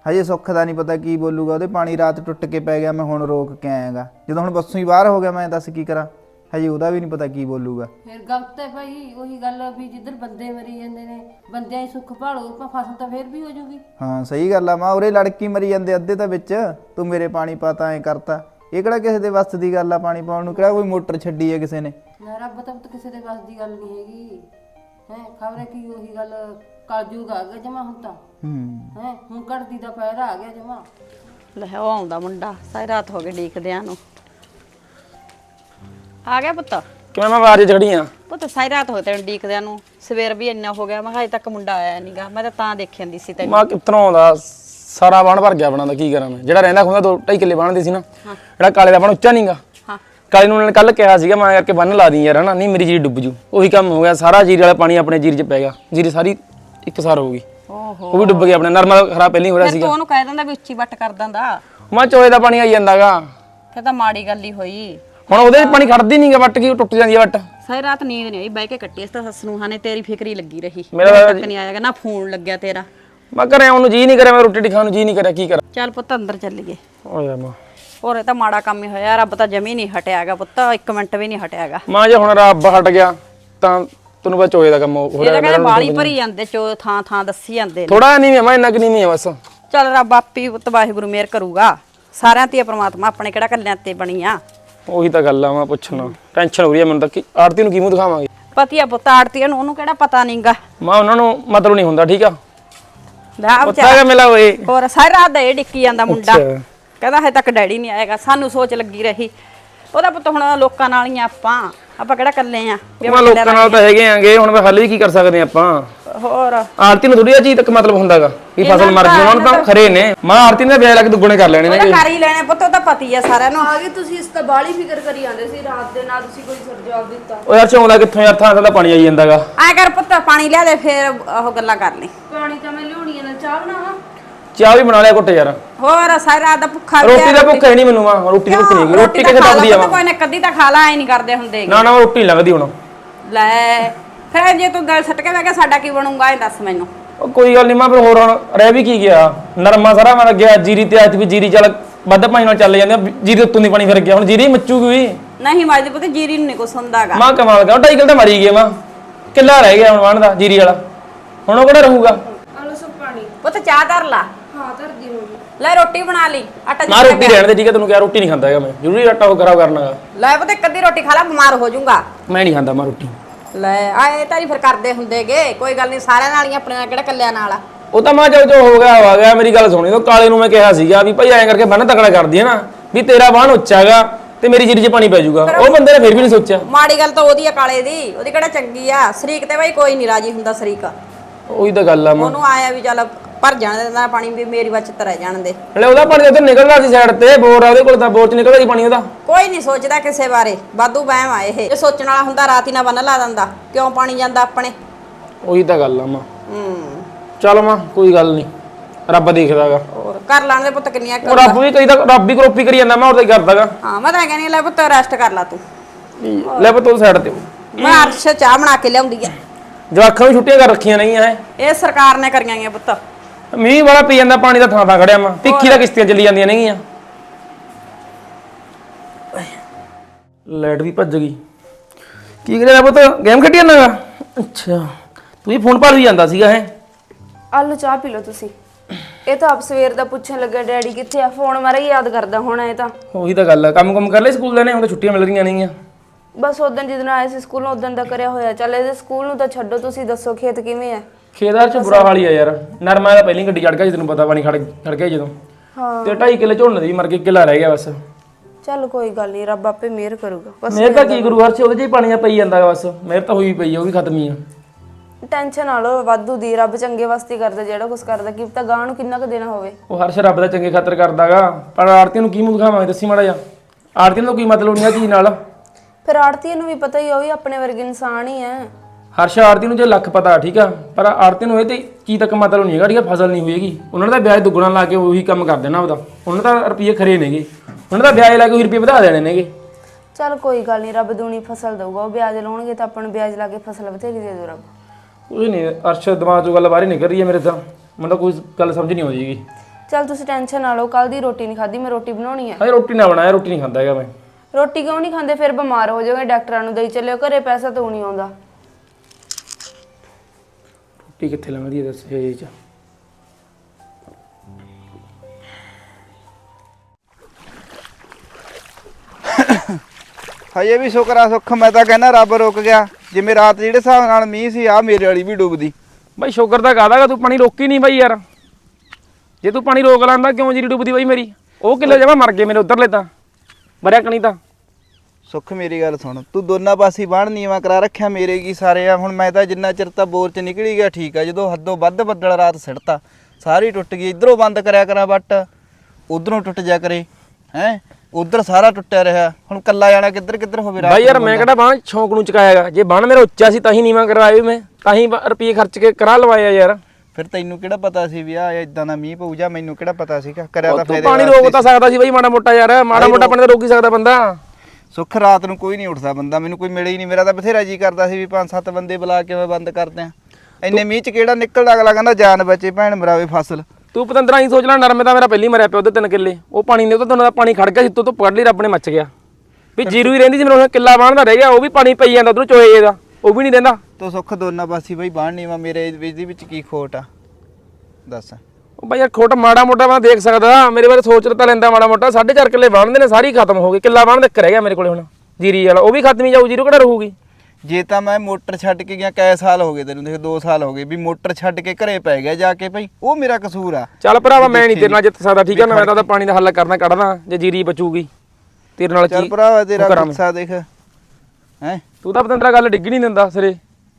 ਹਜੇ ਸੁੱਖ ਦਾ ਨਹੀਂ ਪਤਾ ਕੀ ਬੋਲੂਗਾ, ਉਹਦੇ ਪਾਣੀ ਰਾਤ ਟੁੱਟ ਕੇ ਪੈ ਗਿਆ, ਮੈਂ ਹੁਣ ਰੋਕ ਕੇ ਆਇਆਗਾ। ਜਦੋਂ ਹੁਣ ਬੱਸੋਂ ਹੀ ਬਾਹਰ ਹੋ ਗਿਆ ਮੈਂ ਦੱਸ ਕੀ ਕਰਾਂ, ਹਜੇ ਉਹਦਾ ਵੀ ਨਹੀਂ ਪਤਾ ਕੀ ਬੋਲੂਗਾ।
ਫਿਰ ਗਲਤ ਹੈ ਭਾਈ, ਉਹੀ ਗੱਲ ਵੀ ਜਿੱਧਰ ਬੰਦੇ ਮਰੀ ਜਾਂਦੇ ਨੇ ਬੰਦਿਆਂ ਹੀ ਸੁੱਖ ਭਾਲੋ, ਆਪਾਂ ਫਸਲ ਤਾਂ ਫੇਰ ਵੀ ਹੋ ਜੂਗੀ।
ਹਾਂ ਸਹੀ ਗੱਲ ਆ ਮਾਂ, ਉਰੇ ਲੜਕੀ ਮਰੀ ਜਾਂਦੇ ਅੱਧੇ ਤਾਂ ਵਿੱਚ, ਤੂੰ ਮੇਰੇ ਪਾਣੀ ਪਾਤਾ ਐ ਕਰਤਾ। ਇਹ ਕਿਹੜਾ ਕਿਸੇ ਦੇ ਵੱਸ ਦੀ ਗੱਲ ਆ, ਪਾਣੀ ਪਾਉਣ ਨੂੰ ਕਿਹੜਾ ਕੋਈ ਮੋਟਰ ਛੱਡੀ ਹੈ ਕਿਸੇ ਨੇ।
ਨਾ ਰੱਬ ਤਾਂ ਕਿਸੇ ਦੇ ਵੱਸ ਦੀ ਗੱਲ ਨਹੀਂ ਹੈਗੀ ਹੈ, ਖਬਰੇ ਕੀ ਉਹੀ ਗੱਲ ਕਲਯੁਗ ਆ ਗਿਆ ਜਮਾ ਹੁਣ ਤਾਂ ਹੈ, ਹੁਣ ਘੜਦੀ ਦਾ ਪੈਰ ਆ ਗਿਆ ਜਮਾ।
ਲੈ ਉਹ ਆਉਂਦਾ ਮੁੰਡਾ, ਸਾਰੀ ਰਾਤ ਹੋ ਗਈ ਡੀਕਦਿਆਂ ਨੂੰ। ਆ ਗਿਆ ਪੁੱਤ?
ਕਿਵੇਂ ਮੈਂ ਬਾਹਰ ਖੜੀ ਆ?
ਪੁੱਤ ਸਾਰੀ ਰਾਤ ਹੋ ਤੈਨੂੰ ਡੀਕਦਿਆਂ ਨੂੰ, ਸਵੇਰ ਵੀ ਇੰਨਾ ਹੋ ਗਿਆ, ਮੈਂ ਕਿਹਾ ਅਜੇ ਤੱਕ ਮੁੰਡਾ ਆਇਆ ਨਹੀਂਗਾ। ਮੈਂ ਤਾਂ ਦੇਖਿਆ ਨਹੀਂ ਸੀ ਤੈਨੂੰ।
ਮਾਂ ਕਿੱਥੋਂ ਆਉਂਦਾ, ਸਾਰਾ ਬਾਣ ਭਰ ਗਿਆ ਬਣਾਉਂਦਾ, ਕੀ ਕਰਾਂ ਮੈਂ। ਜਿਹੜਾ ਰਹਿੰਦਾ ਖੁੰਦਾ 2-2.5 ਕਿੱਲੇ ਬਾਣਦੇ ਸੀ ਨਾ, ਜਿਹੜਾ ਕਾਲੇ ਦਾ ਬਾਣ ਉੱਚਾ ਨਹੀਂਗਾ।
ਹਾਂ
ਕਾਲੇ ਨੂੰ ਕੱਲ ਕਿਹਾ ਸੀਗਾ ਮੈਂ ਕਰਕੇ ਬੰਨ ਲਾ ਦੀ ਯਾਰ ਹਨਾ, ਨਹੀਂ ਮੇਰੀ ਜੀਰੀ ਡੁੱਬ ਜੂ। ਉਹੀ ਕੰਮ ਹੋ ਗਿਆ, ਸਾਰਾ ਜੀਰੀ ਵਾਲਾ ਪਾਣੀ ਆਪਣੇ ਜੀਰੀ 'ਚ ਪੈ ਗਿਆ, ਜੀਰੀ ਸਾਰੀ ਇੱਕਸਾਰ ਹੋ ਗਈ।
ਓਹੋ
ਉਹ ਵੀ ਡੁੱਬ ਗਿਆ, ਆਪਣਾ ਨਰਮਾ ਖਰਾਬ ਪਹਿਲਾਂ ਹੀ ਹੋ ਰਿਹਾ
ਫਿਰ
ਸੀਗਾ।
ਤੂੰ ਉਹਨੂੰ ਕਹਿ ਦਿੰਦਾ ਵੀ ਉੱਚੀ ਵੱਟ ਕਰ ਦਿੰਦਾ,
ਮੈਂ ਚੋਏ ਦਾ ਪਾਣੀ ਆਈ ਜਾਂਦਾਗਾ।
ਫਿਰ ਤਾਂ ਮਾੜੀ ਗੱਲ ਹੀ ਹੋਈ।
ਹੁਣ ਉਹਦੇ 'ਚ ਪਾਣੀ ਖੜਦੀ ਨਹੀਂਗਾ, ਵੱਟ ਕੀ ਟੁੱਟ ਜਾਂਦੀ ਆ ਵੱਟ।
ਸਾਰੀ ਰਾਤ ਨੀਂਦ ਨਹੀਂ ਆਈ, ਬਹਿ ਕੇ ਕੱਟੀ। ਇਸ ਤਾਂ ਸੱਸ ਨੂੰ ਹਾਨੇ ਤੇਰੀ ਫਿਕਰੀ ਲੱਗੀ ਰਹੀ,
ਮੇਰਾ
ਤੱਕ ਨਹੀਂ ਆਇਆਗਾ ਨਾ ਫੋਨ ਲੱਗਿਆ ਤੇਰਾ।
ਮੈਂ ਘਰੇ ਉਹਨੂੰ ਜੀ ਨਹੀਂ ਕਰਿਆ, ਮੈਂ ਰੋਟੀ ਖਾਣ ਨੂੰ ਜੀ ਨਹੀਂ ਕਰਿਆ, ਕੀ ਕਰਾਂ।
ਚੱਲ ਪੁੱਤ ਅੰਦਰ ਚੱਲੀਏ।
ਓ ਯਾਰ ਮਾਂ,
ਹੋਰ ਇਹ ਤਾਂ ਮਾੜਾ ਕੰਮ ਹੀ ਹੋਇਆ, ਰੱਬ ਤਾਂ ਜਮੀ ਨਹੀਂ ਹਟਿਆਗਾ ਪੁੱਤ, 1 ਮਿੰਟ ਵੀ ਨਹੀਂ ਹਟਿਆਗਾ।
ਮਾਂ ਜੇ ਹੁਣ ਰੱਬ ਹਟ ਗਿਆ ਤਾਂ ਤੈਨੂੰ ਪਤਾ ਚੋਏ ਦਾ ਕੰਮ ਹੋ
ਇਹ ਤਾਂ ਕਹਿੰਦੇ ਬਾਲੀ ਭਰੀ ਜਾਂਦੇ, ਚੋ ਥਾਂ ਥਾਂ ਦੱਸੀ ਜਾਂਦੇ ਨੇ।
ਥੋੜਾ ਨਹੀਂ ਮੈਂ ਇੰਨਾ ਕਿ ਨਹੀਂ ਹੈ ਬਸ।
ਚੱਲ ਰੱਬ ਆਪੀ ਪੁੱਤ ਵਾਹਿਗੁਰੂ ਮਿਹਰ ਕਰੂਗਾ ਸਾਰਿਆਂ ਤੇ, ਪ੍ਰਮਾਤਮਾ ਆਪਣੇ ਕਿਹੜਾ ਕੱਲਿਆਂ ਤੇ ਬਣੀ ਆ।
ਉਹੀ ਤਾਂ ਗੱਲ ਆ, ਮੈਂ ਪੁੱਛਣਾ ਟੈਨਸ਼ਨ ਹੋ ਰਹੀ ਹੈ ਮੈਨੂੰ ਤਾਂ ਕਿ ਆਰਤੀ ਨੂੰ ਕੀ ਮੂੰਹ ਦਿਖਾਵਾਂਗੇ।
ਪਤੀਆ ਪੁੱਤ ਆੜਤੀਆਂ ਨੂੰ, ਉਹਨੂੰ ਕਿਹੜਾ ਪਤਾ ਨਹੀਂਗਾ।
ਮਾਂ ਉਹਨਾਂ ਨੂੰ ਮਤਲਬ ਨਹੀਂ ਹੁੰਦਾ, ਠੀਕ ਆ।
ਲੈ
ਉੱਤਾ ਕਿ ਮਿਲਾ ਓਏ।
ਹੋਰ ਸਾਰੀ ਰਾਤ ਦਾ ਇਹ ਡਿੱਕੀ ਜਾਂਦਾ ਮੁੰਡਾ,
ਅੱਛਾ।
ਕਹਿੰਦਾ ਹਜੇ ਤੱਕ ਡੈਡੀ ਨਹੀਂ ਆਏਗਾ। ਸਾਨੂੰ ਸੋਚ ਲੱਗੀ ਰਹੀ, ਉਹਦਾ ਪੁੱਤ ਹੁਣ ਲੋਕਾਂ ਨਾਲ ਹੀ ਆਪਾਂ ਕਿਹੜਾ ਕੱਲੇ ਆ।
ਮੈਂ ਲੋਕਾਂ ਨਾਲ ਤਾਂ ਹੈਗੇ ਆਂਗੇ, ਹੁਣ ਮੈਂ ਹੱਲ ਵੀ ਕੀ ਕਰ ਸਕਦੇ ਆਪਾਂ।
ਹੋਰ
ਆਰਤੀ ਨੂੰ ਥੋੜੀ ਆ ਚੀਜ਼ ਤੱਕ ਮਤਲਬ ਹੁੰਦਾਗਾ ਵੀ ਫਸਲ ਮਰ ਗਈ, ਉਹਨਾਂ ਨੂੰ ਤਾਂ ਖਰੇ ਨੇ। ਮਾਂ ਆਰਤੀ ਨੇ ਵਿਆਹ ਲਾ ਕੇ ਦੁੱਗਣੇ ਕਰ ਲੈਣੇ ਨੇ।
ਉਹਦਾ ਕਰ ਹੀ ਲੈਣੇ ਪੁੱਤ, ਉਹ ਤਾਂ ਪਤੀ ਆ ਸਾਰਿਆਂ ਨੂੰ।
ਆ ਗਏ ਤੁਸੀਂ, ਇਸ ਤਾਂ ਬਾਲੀ ਫਿਕਰ ਕਰੀ ਜਾਂਦੇ ਸੀ ਰਾਤ ਦੇ ਨਾਲ, ਤੁਸੀਂ ਕੋਈ ਜਵਾਬ ਦਿੱਤਾ।
ਉਹ ਯਾਰ ਚੌਂਦਾ ਕਿੱਥੋਂ ਯਾਰ, ਥਾਂ ਦਾ ਪਾਣੀ ਆਈ ਜਾਂਦਾਗਾ।
ਐ ਕਰ ਪੁੱਤ ਪਾਣੀ ਲਿਆ ਦੇ, ਫੇਰ ਉਹ ਗੱਲਾਂ ਕਰ ਲਈ।
ਪਾਣੀ ਤਾਂ ਮੈਂ ਲਿਆਉਣੀ ਆ, ਨਾਲ ਚਾਹ ਬਣਾਵਾਂ।
ਚਾਹ ਵੀ ਬਣਾ ਲਿਆ ਘੁੱਟ ਯਾਰ।
ਹੋਰ ਸਾਰੀ ਰਾਤ ਦਾ ਭੁੱਖਾ
ਰੋਟੀ ਦਾ ਭੁੱਖ ਹੈ ਨਹੀਂ ਮੈਨੂੰ, ਮਾਂ ਰੋਟੀ ਦੀ ਭੁੱਖ ਨਹੀਂ ਹੈਗੀ। ਰੋਟੀ ਕਿੱਥੇ ਦੱਬਦੀ ਆ ਮਾਂ?
ਕੋਈ ਨਾ ਕਦੀ ਤਾਂ ਖਾ ਲਾ, ਐ ਨਹੀਂ ਕਰਦੇ ਹੁੰਦੇ।
ਨਾ ਨਾ ਰੋਟੀ ਨਹੀਂ ਲੱਗਦੀ ਹੁਣ।
ਲੈ ਫਿਰ ਜੇ ਤੂੰ ਦਿਲ ਸੱਟ ਕੇ ਬਹਿ ਗਿਆ, ਸਾਡਾ ਕੀ ਬਣੂਗਾ ਇਹ ਦੱਸ ਮੈਨੂੰ।
ਉਹ ਕੋਈ ਗੱਲ ਨਹੀਂ ਮਾਂ, ਫਿਰ ਹੋਰ ਹੁਣ ਰਹਿ ਵੀ ਕੀ ਗਿਆ। ਨਰਮਾ ਸਾਰਾ ਮਰ ਗਿਆ, ਜੀਰੀ ਤੇ ਆਤੀ ਵੀ ਜੀਰੀ ਚੱਲ ਵੱਧ ਪਾਣੀ ਨਾਲ ਚੱਲ ਜਾਂਦੇ ਆ, ਜੀਰੀ ਉੱਤੋਂ ਦੀ ਪਾਣੀ ਫਿਰ ਗਿਆ, ਹੁਣ ਜੀਰੀ ਮੱਚੂਗੀ ਵੀ
ਨਹੀਂ ਮਾਜਦੀ ਪੁੱਤ, ਜੀਰੀ ਨੂੰ ਨਹੀਂ ਕੁਛ ਹੁੰਦਾਗਾ।
ਮਾਂ ਕਮਾਲ ਕਰ, 2.5 ਕਿੱਲੇ ਤਾਂ ਮਰੀ ਗਏ ਮਾਂ, ਕਿੱਲਾ ਰਹਿ ਗਿਆ ਹੁਣ ਵਾਣ ਦਾ ਜੀਰੀ ਵਾਲਾ, ਹੁਣ ਉਹ ਕਿਹੜਾ ਰਹੂਗਾ।
ਆਲੋ ਸਭ ਪਾਣੀ।
ਪੁੱਤ ਚਾਹ ਧਰ ਲਾ।
ਹਾਂ ਧਰਦੀ ਹੋਗੀ।
ਲੈ ਰੋਟੀ ਬਣਾ ਲਈ, ਆਟਾ
ਮਾਂ ਰੋਟੀ ਰਹਿਣ ਦੇ, ਠੀਕ ਹੈ ਤੈਨੂੰ ਕਿਹਾ ਰੋਟੀ ਨਹੀਂ ਖਾਂਦਾ ਹੈਗਾ ਮੈਂ, ਜ਼ਰੂਰੀ ਆਟਾ ਉਹ ਖਰਾਬ ਕਰਨਾਗਾ।
ਲੈ ਪੁੱਤ ਇੱਕ ਅੱਧੀ ਰੋਟੀ ਖਾ ਲਾ, ਬਿਮਾਰ ਹੋ ਜਾਊਗਾ।
ਮੈਂ ਨਹੀਂ ਖਾਂਦਾ ਮਾਂ ਰੋਟੀ।
ਲੈ ਆਏ ਤਾਰੀ ਫਿਰ ਕਰਦੇ ਹੁੰਦੇਗੇ, ਕੋਈ ਗੱਲ ਨਹੀਂ, ਸਾਰਿਆਂ ਨਾਲ ਹੀ, ਆਪਣੇ ਨਾਲ ਕਿਹੜਾ ਕੱਲਿਆਂ ਨਾਲ ਆ।
ਉਹ ਤਾਂ ਮਾਂ ਜੋ ਹੋ ਗਿਆ ਮੇਰੀ ਗੱਲ ਸੁਣੀ। ਉਹ ਕਾਲੇ ਨੂੰ ਮੈਂ ਕਿਹਾ ਸੀਗਾ ਵੀ ਭਾਈ ਐਂ ਕਰਕੇ ਬੰਨ ਤਕੜਾ ਕਰਦੀ ਹੈ ਨਾ, ਵੀ ਤੇਰਾ ਬਾਣ ਉੱਚਾਗਾ ਤੇ ਮੇਰੀ ਜੀਰੀ 'ਚ ਪਾਣੀ ਪੈ ਜਾਊਗਾ। ਉਹ ਬੰਦੇ ਨੇ ਫਿਰ ਵੀ ਨਹੀਂ ਸੋਚਿਆ।
ਮਾੜੀ ਗੱਲ ਤਾਂ ਉਹਦੀ ਆ ਕਾਲੇ ਦੀ, ਉਹਦੀ ਕਿਹੜਾ ਚੰਗੀ ਆ। ਸ਼ਰੀਕ ਤੇ ਬਾਈ ਕੋਈ ਨਹੀਂ ਰਾਜੀ ਹੁੰਦਾ ਸ਼ਰੀਕ।
ਉਹੀ ਤਾਂ ਗੱਲ ਆ ਮਾਂ।
ਉਹਨੂੰ ਆਇਆ ਵੀ ਚੱਲ ਭਰ ਜਾਣ ਦੇ ਪਾਣੀ, ਵੀ ਮੇਰੀ ਬਚਤ ਰਹਿ ਜਾਣ ਦੇ।
ਹਲੇ ਉਹਦਾ ਪਾਣੀ ਉੱਧਰ ਨਿਕਲਦਾ ਸੀ ਸਾਈਡ ਤੇ, ਬੋਰ ਆ ਉਹਦੇ ਕੋਲ, ਤਾਂ ਬੋਰ 'ਚ ਨਿਕਲਦਾ ਸੀ ਪਾਣੀ ਉਹਦਾ।
ਕੋਈ ਨਹੀਂ ਸੋਚਦਾ ਕਿਸੇ ਬਾਰੇ, ਵਾਧੂ ਵਹਿਮ ਆ ਇਹ। ਜੇ ਸੋਚਣ ਵਾਲਾ ਹੁੰਦਾ ਰਾਤ ਹੀ ਨਾ ਬੰਨ ਲਾ ਦਿੰਦਾ, ਕਿਉਂ ਪਾਣੀ ਜਾਂਦਾ ਆਪਣੇ।
ਉਹੀ ਤਾਂ ਗੱਲ ਆ ਮਾਂ। ਚੱਲ ਮਾਂ ਕੋਈ ਗੱਲ ਨਹੀਂ, ਰੱਬ ਦੇਖਦਾਗਾ।
ਹੋਰ ਕਰ ਲੈਣ ਦੇ ਪੁੱਤ, ਕਿੰਨੀਆਂ
ਉਹ ਰੱਬ ਵੀ ਕਈ ਤਾਂ ਰੱਬ ਵੀ ਕਰੋਪੀ ਕਰੀ ਜਾਂਦਾ, ਮੈਂ ਹੋਰ ਤਾਂ ਕਰਦਾਗਾ।
ਹਾਂ ਮੈਂ ਤਾਂ ਕਹਿੰਦੀ ਲੈ ਪੁੱਤ ਰੈਸਟ ਕਰ ਲਾ ਤੂੰ।
ਲੈ ਪੁੱਤ ਉਹ ਸਾਈਡ ਤੇ
ਮੈਂ ਅਰਸ਼ ਚਾਹ ਬਣਾ ਕੇ ਲਿਆਉਂਦੀ ਆ।
ਜਵਾਖਾਂ ਨੂੰ ਛੁੱਟੀਆਂ ਕਰ ਰੱਖੀਆਂ ਨਹੀਂ ਐ,
ਇਹ ਸਰਕਾਰ ਨੇ ਕਰੀਆਂ ਗਈਆਂ ਪੁੱਤ।
ਮੀਂਹ ਵਾਲਾ ਪੀ ਜਾਂਦਾ ਪਾਣੀ ਦਾ, ਥਾਂ ਥਾਂ ਖੜਿਆ ਮਾਂ, ਤਿੱਖੀ ਦਾ ਕਿਸ਼ਤੀਆਂ ਚੱਲੀ ਜਾਂਦੀਆਂ ਨੇਗੀਆਂ। ਲਾਈਟ ਵੀ ਭੱਜ ਗਈ। ਕੀ ਕਰਿਆ ਪੁੱਤ, ਗੇਮ ਖੇਡੀ ਜਾਂਦਾਗਾ? ਅੱਛਾ ਤੂੰ ਹੀ ਫੋਨ ਭਾਲ ਵੀ ਜਾਂਦਾ ਸੀਗਾ ਹੈ।
ਆਲੋ ਚਾਹ ਪੀ ਲਓ ਤੁਸੀਂ। ਇਹ ਤਾਂ ਆਪ ਸਵੇਰ ਦਾ ਪੁੱਛਣ ਲੱਗਾ ਡੈਡੀ ਕਿੱਥੇ ਆ, ਫੋਨ ਮਾਰਾ ਹੀ ਯਾਦ ਕਰਦਾ ਹੋਣਾ ਇਹ ਤਾਂ।
ਉਹੀ ਤਾਂ ਗੱਲ ਆ, ਕੰਮ ਕਰ ਲੈ ਸਕੂਲ ਦੇ ਨੇ, ਹੁਣ ਤਾਂ ਛੁੱਟੀਆਂ ਮਿਲ ਰਹੀਆਂ ਨੇਗੀਆਂ।
ਬਸ ਉਦੋਂ ਜਦੋਂ ਆਏ ਸੀ ਸਕੂਲੋਂ ਉਦੋਂ ਦਾ ਕਰਿਆ ਹੋਇਆ। ਚੱਲ ਇਹਦੇ ਸਕੂਲ ਨੂੰ ਤਾਂ ਛੱਡੋ, ਤੁਸੀਂ ਦੱਸੋ ਖੇਤ ਕਿਵੇਂ ਆ?
ਖੇਦਾਰ 'ਚ ਬੁਰਾ ਹਾਲ ਹੀ ਆ ਯਾਰ। ਨਰਮਾ ਦਾ ਪਹਿਲੀ ਗੱਡੀ ਚੜ ਗਿਆ, ਤੈਨੂੰ ਪਤਾ ਪਾਣੀ ਖੜ ਗਿਆ ਜਦੋਂ।
ਹਾਂ
ਤੇ 2.5 ਕਿੱਲੇ ਝੋਨੇ ਦੀ ਮਰ ਕੇ ਕਿੱਲਾ ਰਹਿ ਗਿਆ ਬਸ।
ਚੱਲ ਕੋਈ ਗੱਲ ਨਹੀਂ, ਰੱਬ ਆਪੇ ਮਿਹਰ ਕਰੂਗਾ। ਬਸ
ਮੇਰ ਤਾਂ ਕੀ ਗੁਰੂ ਹਰਸ਼, ਉਹਦੇ 'ਚ ਹੀ ਪਾਣੀ ਆ ਪਈ ਜਾਂਦਾ ਬਸ। ਮੇਰ ਤਾਂ ਹੋਈ ਪਈ ਆ, ਉਹ ਵੀ ਖਤਮ ਹੀ ਆ।
ਟੈਨਸ਼ਨ ਨਾ ਲਓ ਵਾਧੂ ਦੀ, ਰੱਬ ਚੰਗੇ ਵਾਸਤੇ ਕਰਦਾ ਜਿਹੜਾ ਕੁਝ ਕਰਦਾ। ਕੀ ਪਤਾ ਗਾਂ ਨੂੰ ਕਿੰਨਾ ਕੁ ਦੇਣਾ ਹੋਵੇ।
ਉਹ ਹਰਸ਼ ਰੱਬ ਦਾ ਚੰਗੇ ਖਾਤਰ ਕਰਦਾਗਾ, ਪਰ ਆਰਤੀ ਨੂੰ ਕੀ ਮੂੰਹ ਦਿਖਾਵਾਂਗੇ, ਦੱਸੀ ਮਾੜਾ ਜਿਹਾ। ਆਰਤੀ ਨੂੰ ਕੀ ਮਤਲਬ ਨਹੀਂ ਆ ਚੀਜ਼ ਨਾਲ।
ਫਿਰ ਆੜਤੀ ਨੂੰ ਵੀ ਪਤਾ ਹੀ ਆ, ਉਹ ਵੀ ਆਪਣੇ ਵਰਗੇ ਇਨਸਾਨ ਹੀ ਹੈ।
ਹਰਸ਼ ਆਰਤੀ ਨੂੰ ਜੇ ਲੱਖ ਪਤਾ ਠੀਕ ਆ, ਪਰ ਆਰਤੀ ਨੂੰ ਇਹ ਤੇ ਕੀ ਤੱਕ ਮਤਲਬ ਨਹੀਂ ਹੈਗਾ, ਠੀਕ ਆ, ਫਸਲ ਨਹੀਂ ਹੋਏਗੀ। ਉਹਨਾਂ ਦਾ ਵਿਆਜ ਦੁੱਗਣਾ ਲਾ ਕੇ ਉਹੀ ਕੰਮ ਕਰ ਦੇਣਾ ਉਹਦਾ। ਉਹਨਾਂ ਦਾ ਰੁਪਈਏ ਖਰੇ ਨੇਗੇ, ਉਹਨਾਂ ਦਾ ਵਿਆਜ ਲਾ ਕੇ ਉਹੀ ਰੁਪਈਏ ਵਧਾ ਦੇਣੇ ਨੇਗੇ।
ਚੱਲ ਕੋਈ ਗੱਲ ਨਹੀਂ, ਰੱਬ ਦੂਣੀ ਫਸਲ ਦਊਗਾ। ਉਹ ਵਿਆਜ ਲਾਉਣਗੇ ਤਾਂ ਆਪਾਂ ਨੂੰ ਵਿਆਜ ਲਾ ਕੇ ਫਸਲ ਬਥੇਰੀ ਦੇ ਦੂ ਰੱਬ।
ਉਹ ਨਹੀਂ, ਅਰਸ਼ ਦਿਮਾਗ 'ਚੋਂ ਗੱਲ ਬਾਹਰ ਹੀ ਨਿਕਲ ਰਹੀ ਹੈ ਮੇਰੇ ਤਾਂ। ਮੈਨੂੰ ਤਾਂ ਕੋਈ ਗੱਲ ਸਮਝ ਨਹੀਂ ਆਉਂਦੀ।
ਚੱਲ ਤੁਸੀਂ ਟੈਨਸ਼ਨ ਨਾ ਲਓ, ਕੱਲ ਦੀ ਰੋਟੀ ਨਹੀਂ ਖਾਧੀ, ਮੈਂ ਰੋਟੀ ਬਣਾਉਣੀ ਹੈ।
ਹਾਏ ਰੋਟੀ ਨਾ ਬਣਾਇਆ, ਰੋਟੀ ਨਹੀਂ ਖਾਂਦਾ ਹੈਗਾ ਮੈਂ।
ਰੋਟੀ ਕਿਉਂ ਨਹੀਂ ਖਾਂਦੇ? ਫਿਰ ਬਿਮਾਰ ਹੋ ਜਾਓਗੇ, ਡਾਕਟਰਾਂ ਨੂੰ ਦੇਈ ਚੱਲਿਓ, ਘਰੇ ਪੈਸਾ ਤਾਂ ਨਹੀਂ ਆਉਂਦਾ।
ਰੋਟੀ ਕਿੱਥੇ ਲੰਘਦੀ ਹੈ ਦੱਸ ਇਹ ਚ।
ਹਜੇ ਵੀ ਸ਼ੁਕਰ ਆ ਸੁੱਖ, ਮੈਂ ਤਾਂ ਕਹਿੰਦਾ ਰੱਬ ਰੁਕ ਗਿਆ। ਜਿਵੇਂ ਰਾਤ ਜਿਹੜੇ ਹਿਸਾਬ ਨਾਲ ਮੀਂਹ ਸੀ, ਆ ਮੇਰੇ ਵਾਲੀ ਵੀ ਡੁੱਬਦੀ।
ਬਾਈ ਸ਼ੁਕਰ ਤਾਂ ਕਾਹਦਾ, ਤੂੰ ਪਾਣੀ ਰੋਕੀ ਨਹੀਂ ਬਾਈ ਯਾਰ। ਜੇ ਤੂੰ ਪਾਣੀ ਰੋਕ ਲਾਂਦਾ ਕਿਉਂ ਜੀਰੀ ਡੁੱਬਦੀ ਬਾਈ ਮੇਰੀ? ਉਹ ਕਿੱਲੇ ਜਮਾ ਮਰ ਗਏ ਮੇਰੇ ਉਧਰਲੇ ਤਾਂ, ਮਰਿਆ ਕਣੀ ਤਾਂ।
ਸੁੱਖ ਮੇਰੀ ਗੱਲ ਸੁਣ, ਤੂੰ ਦੋਨਾਂ ਪਾਸੇ ਬਾਣ ਨੀਵਾ ਕਰਾ ਰੱਖਿਆ, ਮੇਰੇ ਕੀ ਸਾਰੇ ਆ। ਹੁਣ ਮੈਂ ਤਾਂ ਜਿੰਨਾ ਚਿਰ ਤਾਂ ਬੋਰ ਚ ਨਿਕਲੀ ਗਿਆ ਠੀਕ ਆ, ਜਦੋਂ ਹੱਦੋਂ ਵੱਧ ਬੱਦਲ ਰਾਤ ਸਿੜਤਾ ਸਾਰੀ ਟੁੱਟ ਗਈ। ਇਧਰੋਂ ਬੰਦ ਕਰਿਆ ਕਰਾਂ ਵੱਟ, ਉਧਰੋਂ ਟੁੱਟ ਜਾ ਕਰੇ ਹੈ, ਉਧਰ ਸਾਰਾ ਟੁੱਟਿਆ ਰਿਹਾ। ਹੁਣ ਕੱਲਾ ਜਾਣਾ ਕਿੱਧਰ ਕਿੱਧਰ ਹੋਵੇ ਰਾਤ
ਬਾਈ ਯਾਰ ਮੈਂ ਕਿਹੜਾ ਬਾਣ ਸ਼ੌਂਕ ਨੂੰ ਚੁਕਾਇਆਗਾ, ਜੇ ਬਾਣ ਮੇਰਾ ਉੱਚਾ ਸੀ ਤਾਂ ਹੀ ਨੀਵਾ ਕਰਵਾਇਆ ਮੈਂ, ਤਾਂ ਹੀ ਰੁਪਏ ਖਰਚ ਕੇ ਕਰਾ ਲਵਾਇਆ ਯਾਰ।
ਫਿਰ ਤੈਨੂੰ ਕਿਹੜਾ ਪਤਾ ਸੀ ਵੀ ਆ ਇਦਾਂ ਦਾ ਮੀਂਹ ਪਊ? ਜਾਂ ਮੈਨੂੰ ਕਿਹੜਾ ਪਤਾ ਸੀਗਾ? ਕਰਿਆ ਤਾਂ
ਤੂੰ
ਫਾਇਦੇ
ਪਾਣੀ ਰੋਕ ਤਾਂ ਸਕਦਾ ਸੀ ਬਾਈ ਮਾੜਾ ਮੋਟਾ ਯਾਰ, ਮਾੜਾ ਮੋਟਾ ਪਾਣੀ ਤਾਂ ਰੋਕ ਹੀ ਸਕਦਾ ਬੰਦਾ।
ਸੁੱਖ ਰਾਤ ਨੂੰ ਕੋਈ ਨਹੀਂ ਉੱਠਦਾ ਬੰਦਾ, ਮੈਨੂੰ ਕੋਈ ਮਿਲੇ ਹੀ ਨਹੀਂ। ਮੇਰਾ ਤਾਂ ਬਥੇਰਾ ਜੀ ਕਰਦਾ ਸੀ ਵੀ 5-7 ਬੰਦੇ ਬੁਲਾ ਕੇ ਮੈਂ ਬੰਦ ਕਰਦੇ ਆ। ਇੰਨੇ ਮੀਂਹ ਚ ਕਿਹੜਾ ਨਿਕਲਦਾ, ਅਗਲਾ ਕਹਿੰਦਾ ਜਾਨ ਬਚੇ ਭੈਣ ਮਰਾਵੇ ਫਸਲ।
ਤੂੰ ਪਤੰਦਰਾ ਹੀ ਸੋਚ ਲੈ, ਨਰਮੇ ਤਾਂ ਮੇਰਾ ਪਹਿਲੀ ਮਰਿਆ ਪਿਆ ਉਹਦੇ 3 ਕਿੱਲੇ। ਉਹ ਪਾਣੀ ਨੇ ਤਾਂ ਪਾਣੀ ਖੜ ਗਿਆ ਸੀ, ਤੋਂ ਪੜ ਲਈ ਰੱਬ ਨੇ ਮੱਚ ਗਿਆ ਵੀ ਜੀਰੂ ਹੀ ਰਹਿੰਦੀ ਸੀ ਮੇਰੇ, ਕਿੱਲਾ ਬਾਣ ਦਾ ਰਹਿ ਗਿਆ, ਉਹ ਵੀ ਪਾਣੀ ਪਈ ਜਾਂਦਾ ਉਧਰੋਂ ਚੋਏ ਦਾ, ਉਹ ਵੀ ਨਹੀਂ ਰਹਿੰਦਾ।
ਤੋ ਸੁੱਖ ਦੋਨਾਂ ਪਾਸੇ ਬਈ ਬਾਣ ਨੀਵਾ, ਮੇਰੇ ਇਹਦੇ ਵਿੱਚ ਕੀ ਖੋਟ ਆ ਦੱਸ?
ਉਹ ਬਾਈ ਯਾਰ ਖੋਟ ਮਾੜਾ ਮੋਟਾ ਮੈਂ ਦੇਖ ਸਕਦਾ, ਮੇਰੇ ਬਾਰੇ ਸੋਚ ਤਾਂ ਲੈਂਦਾ ਮਾੜਾ ਮੋਟਾ। 4.5 ਕਿੱਲੇ ਬਾਣਦੇ ਨੇ, ਸਾਰੀ ਖਤਮ ਹੋ ਗਈ। ਕਿੱਲਾ ਬਾਣ ਦਾ ਇੱਕ ਰਹਿ ਗਿਆ ਮੇਰੇ ਕੋਲੇ ਹੁਣ ਜੀਰੀ ਵਾਲਾ, ਉਹ ਵੀ ਖਤਮ ਹੀ ਜਾਊ, ਜੀਰੋ ਕਿਹੜਾ ਰਹੂਗੀ।
ਜੇ ਤਾਂ ਮੈਂ ਮੋਟਰ ਛੱਡ ਕੇ ਗਿਆ, ਕਈ ਸਾਲ ਹੋ ਗਏ ਤੈਨੂੰ, ਦੇਖ 2 ਸਾਲ ਹੋ ਗਏ ਵੀ ਮੋਟਰ ਛੱਡ ਕੇ ਘਰੇ ਪੈ ਗਿਆ ਜਾ ਕੇ ਭਾਈ, ਉਹ ਮੇਰਾ ਕਸੂਰ ਆ।
ਚੱਲ ਭਰਾਵਾ ਮੈਂ ਨਹੀਂ ਤੇਰੇ ਨਾਲ ਜਿੱਤ ਸਕਦਾ, ਠੀਕ ਹੈ ਨਾ? ਮੈਂ ਤਾਂ ਪਾਣੀ ਦਾ ਹੱਲ ਕਰਨਾ ਕੱਢਦਾ, ਜੇ ਜੀਰੀ ਬਚੂਗੀ ਤੇਰੇ ਨਾਲ।
ਚੱਲ ਭਰਾਵਾ ਤੇਰਾ ਗੁੱਸਾ ਦੇਖ ਹੈ,
ਤੂੰ ਤਾਂ ਪਤੰਦਰਾ ਗੱਲ ਡਿੱਗ ਨਹੀਂ ਦਿੰਦਾ ਸਿਰੇ।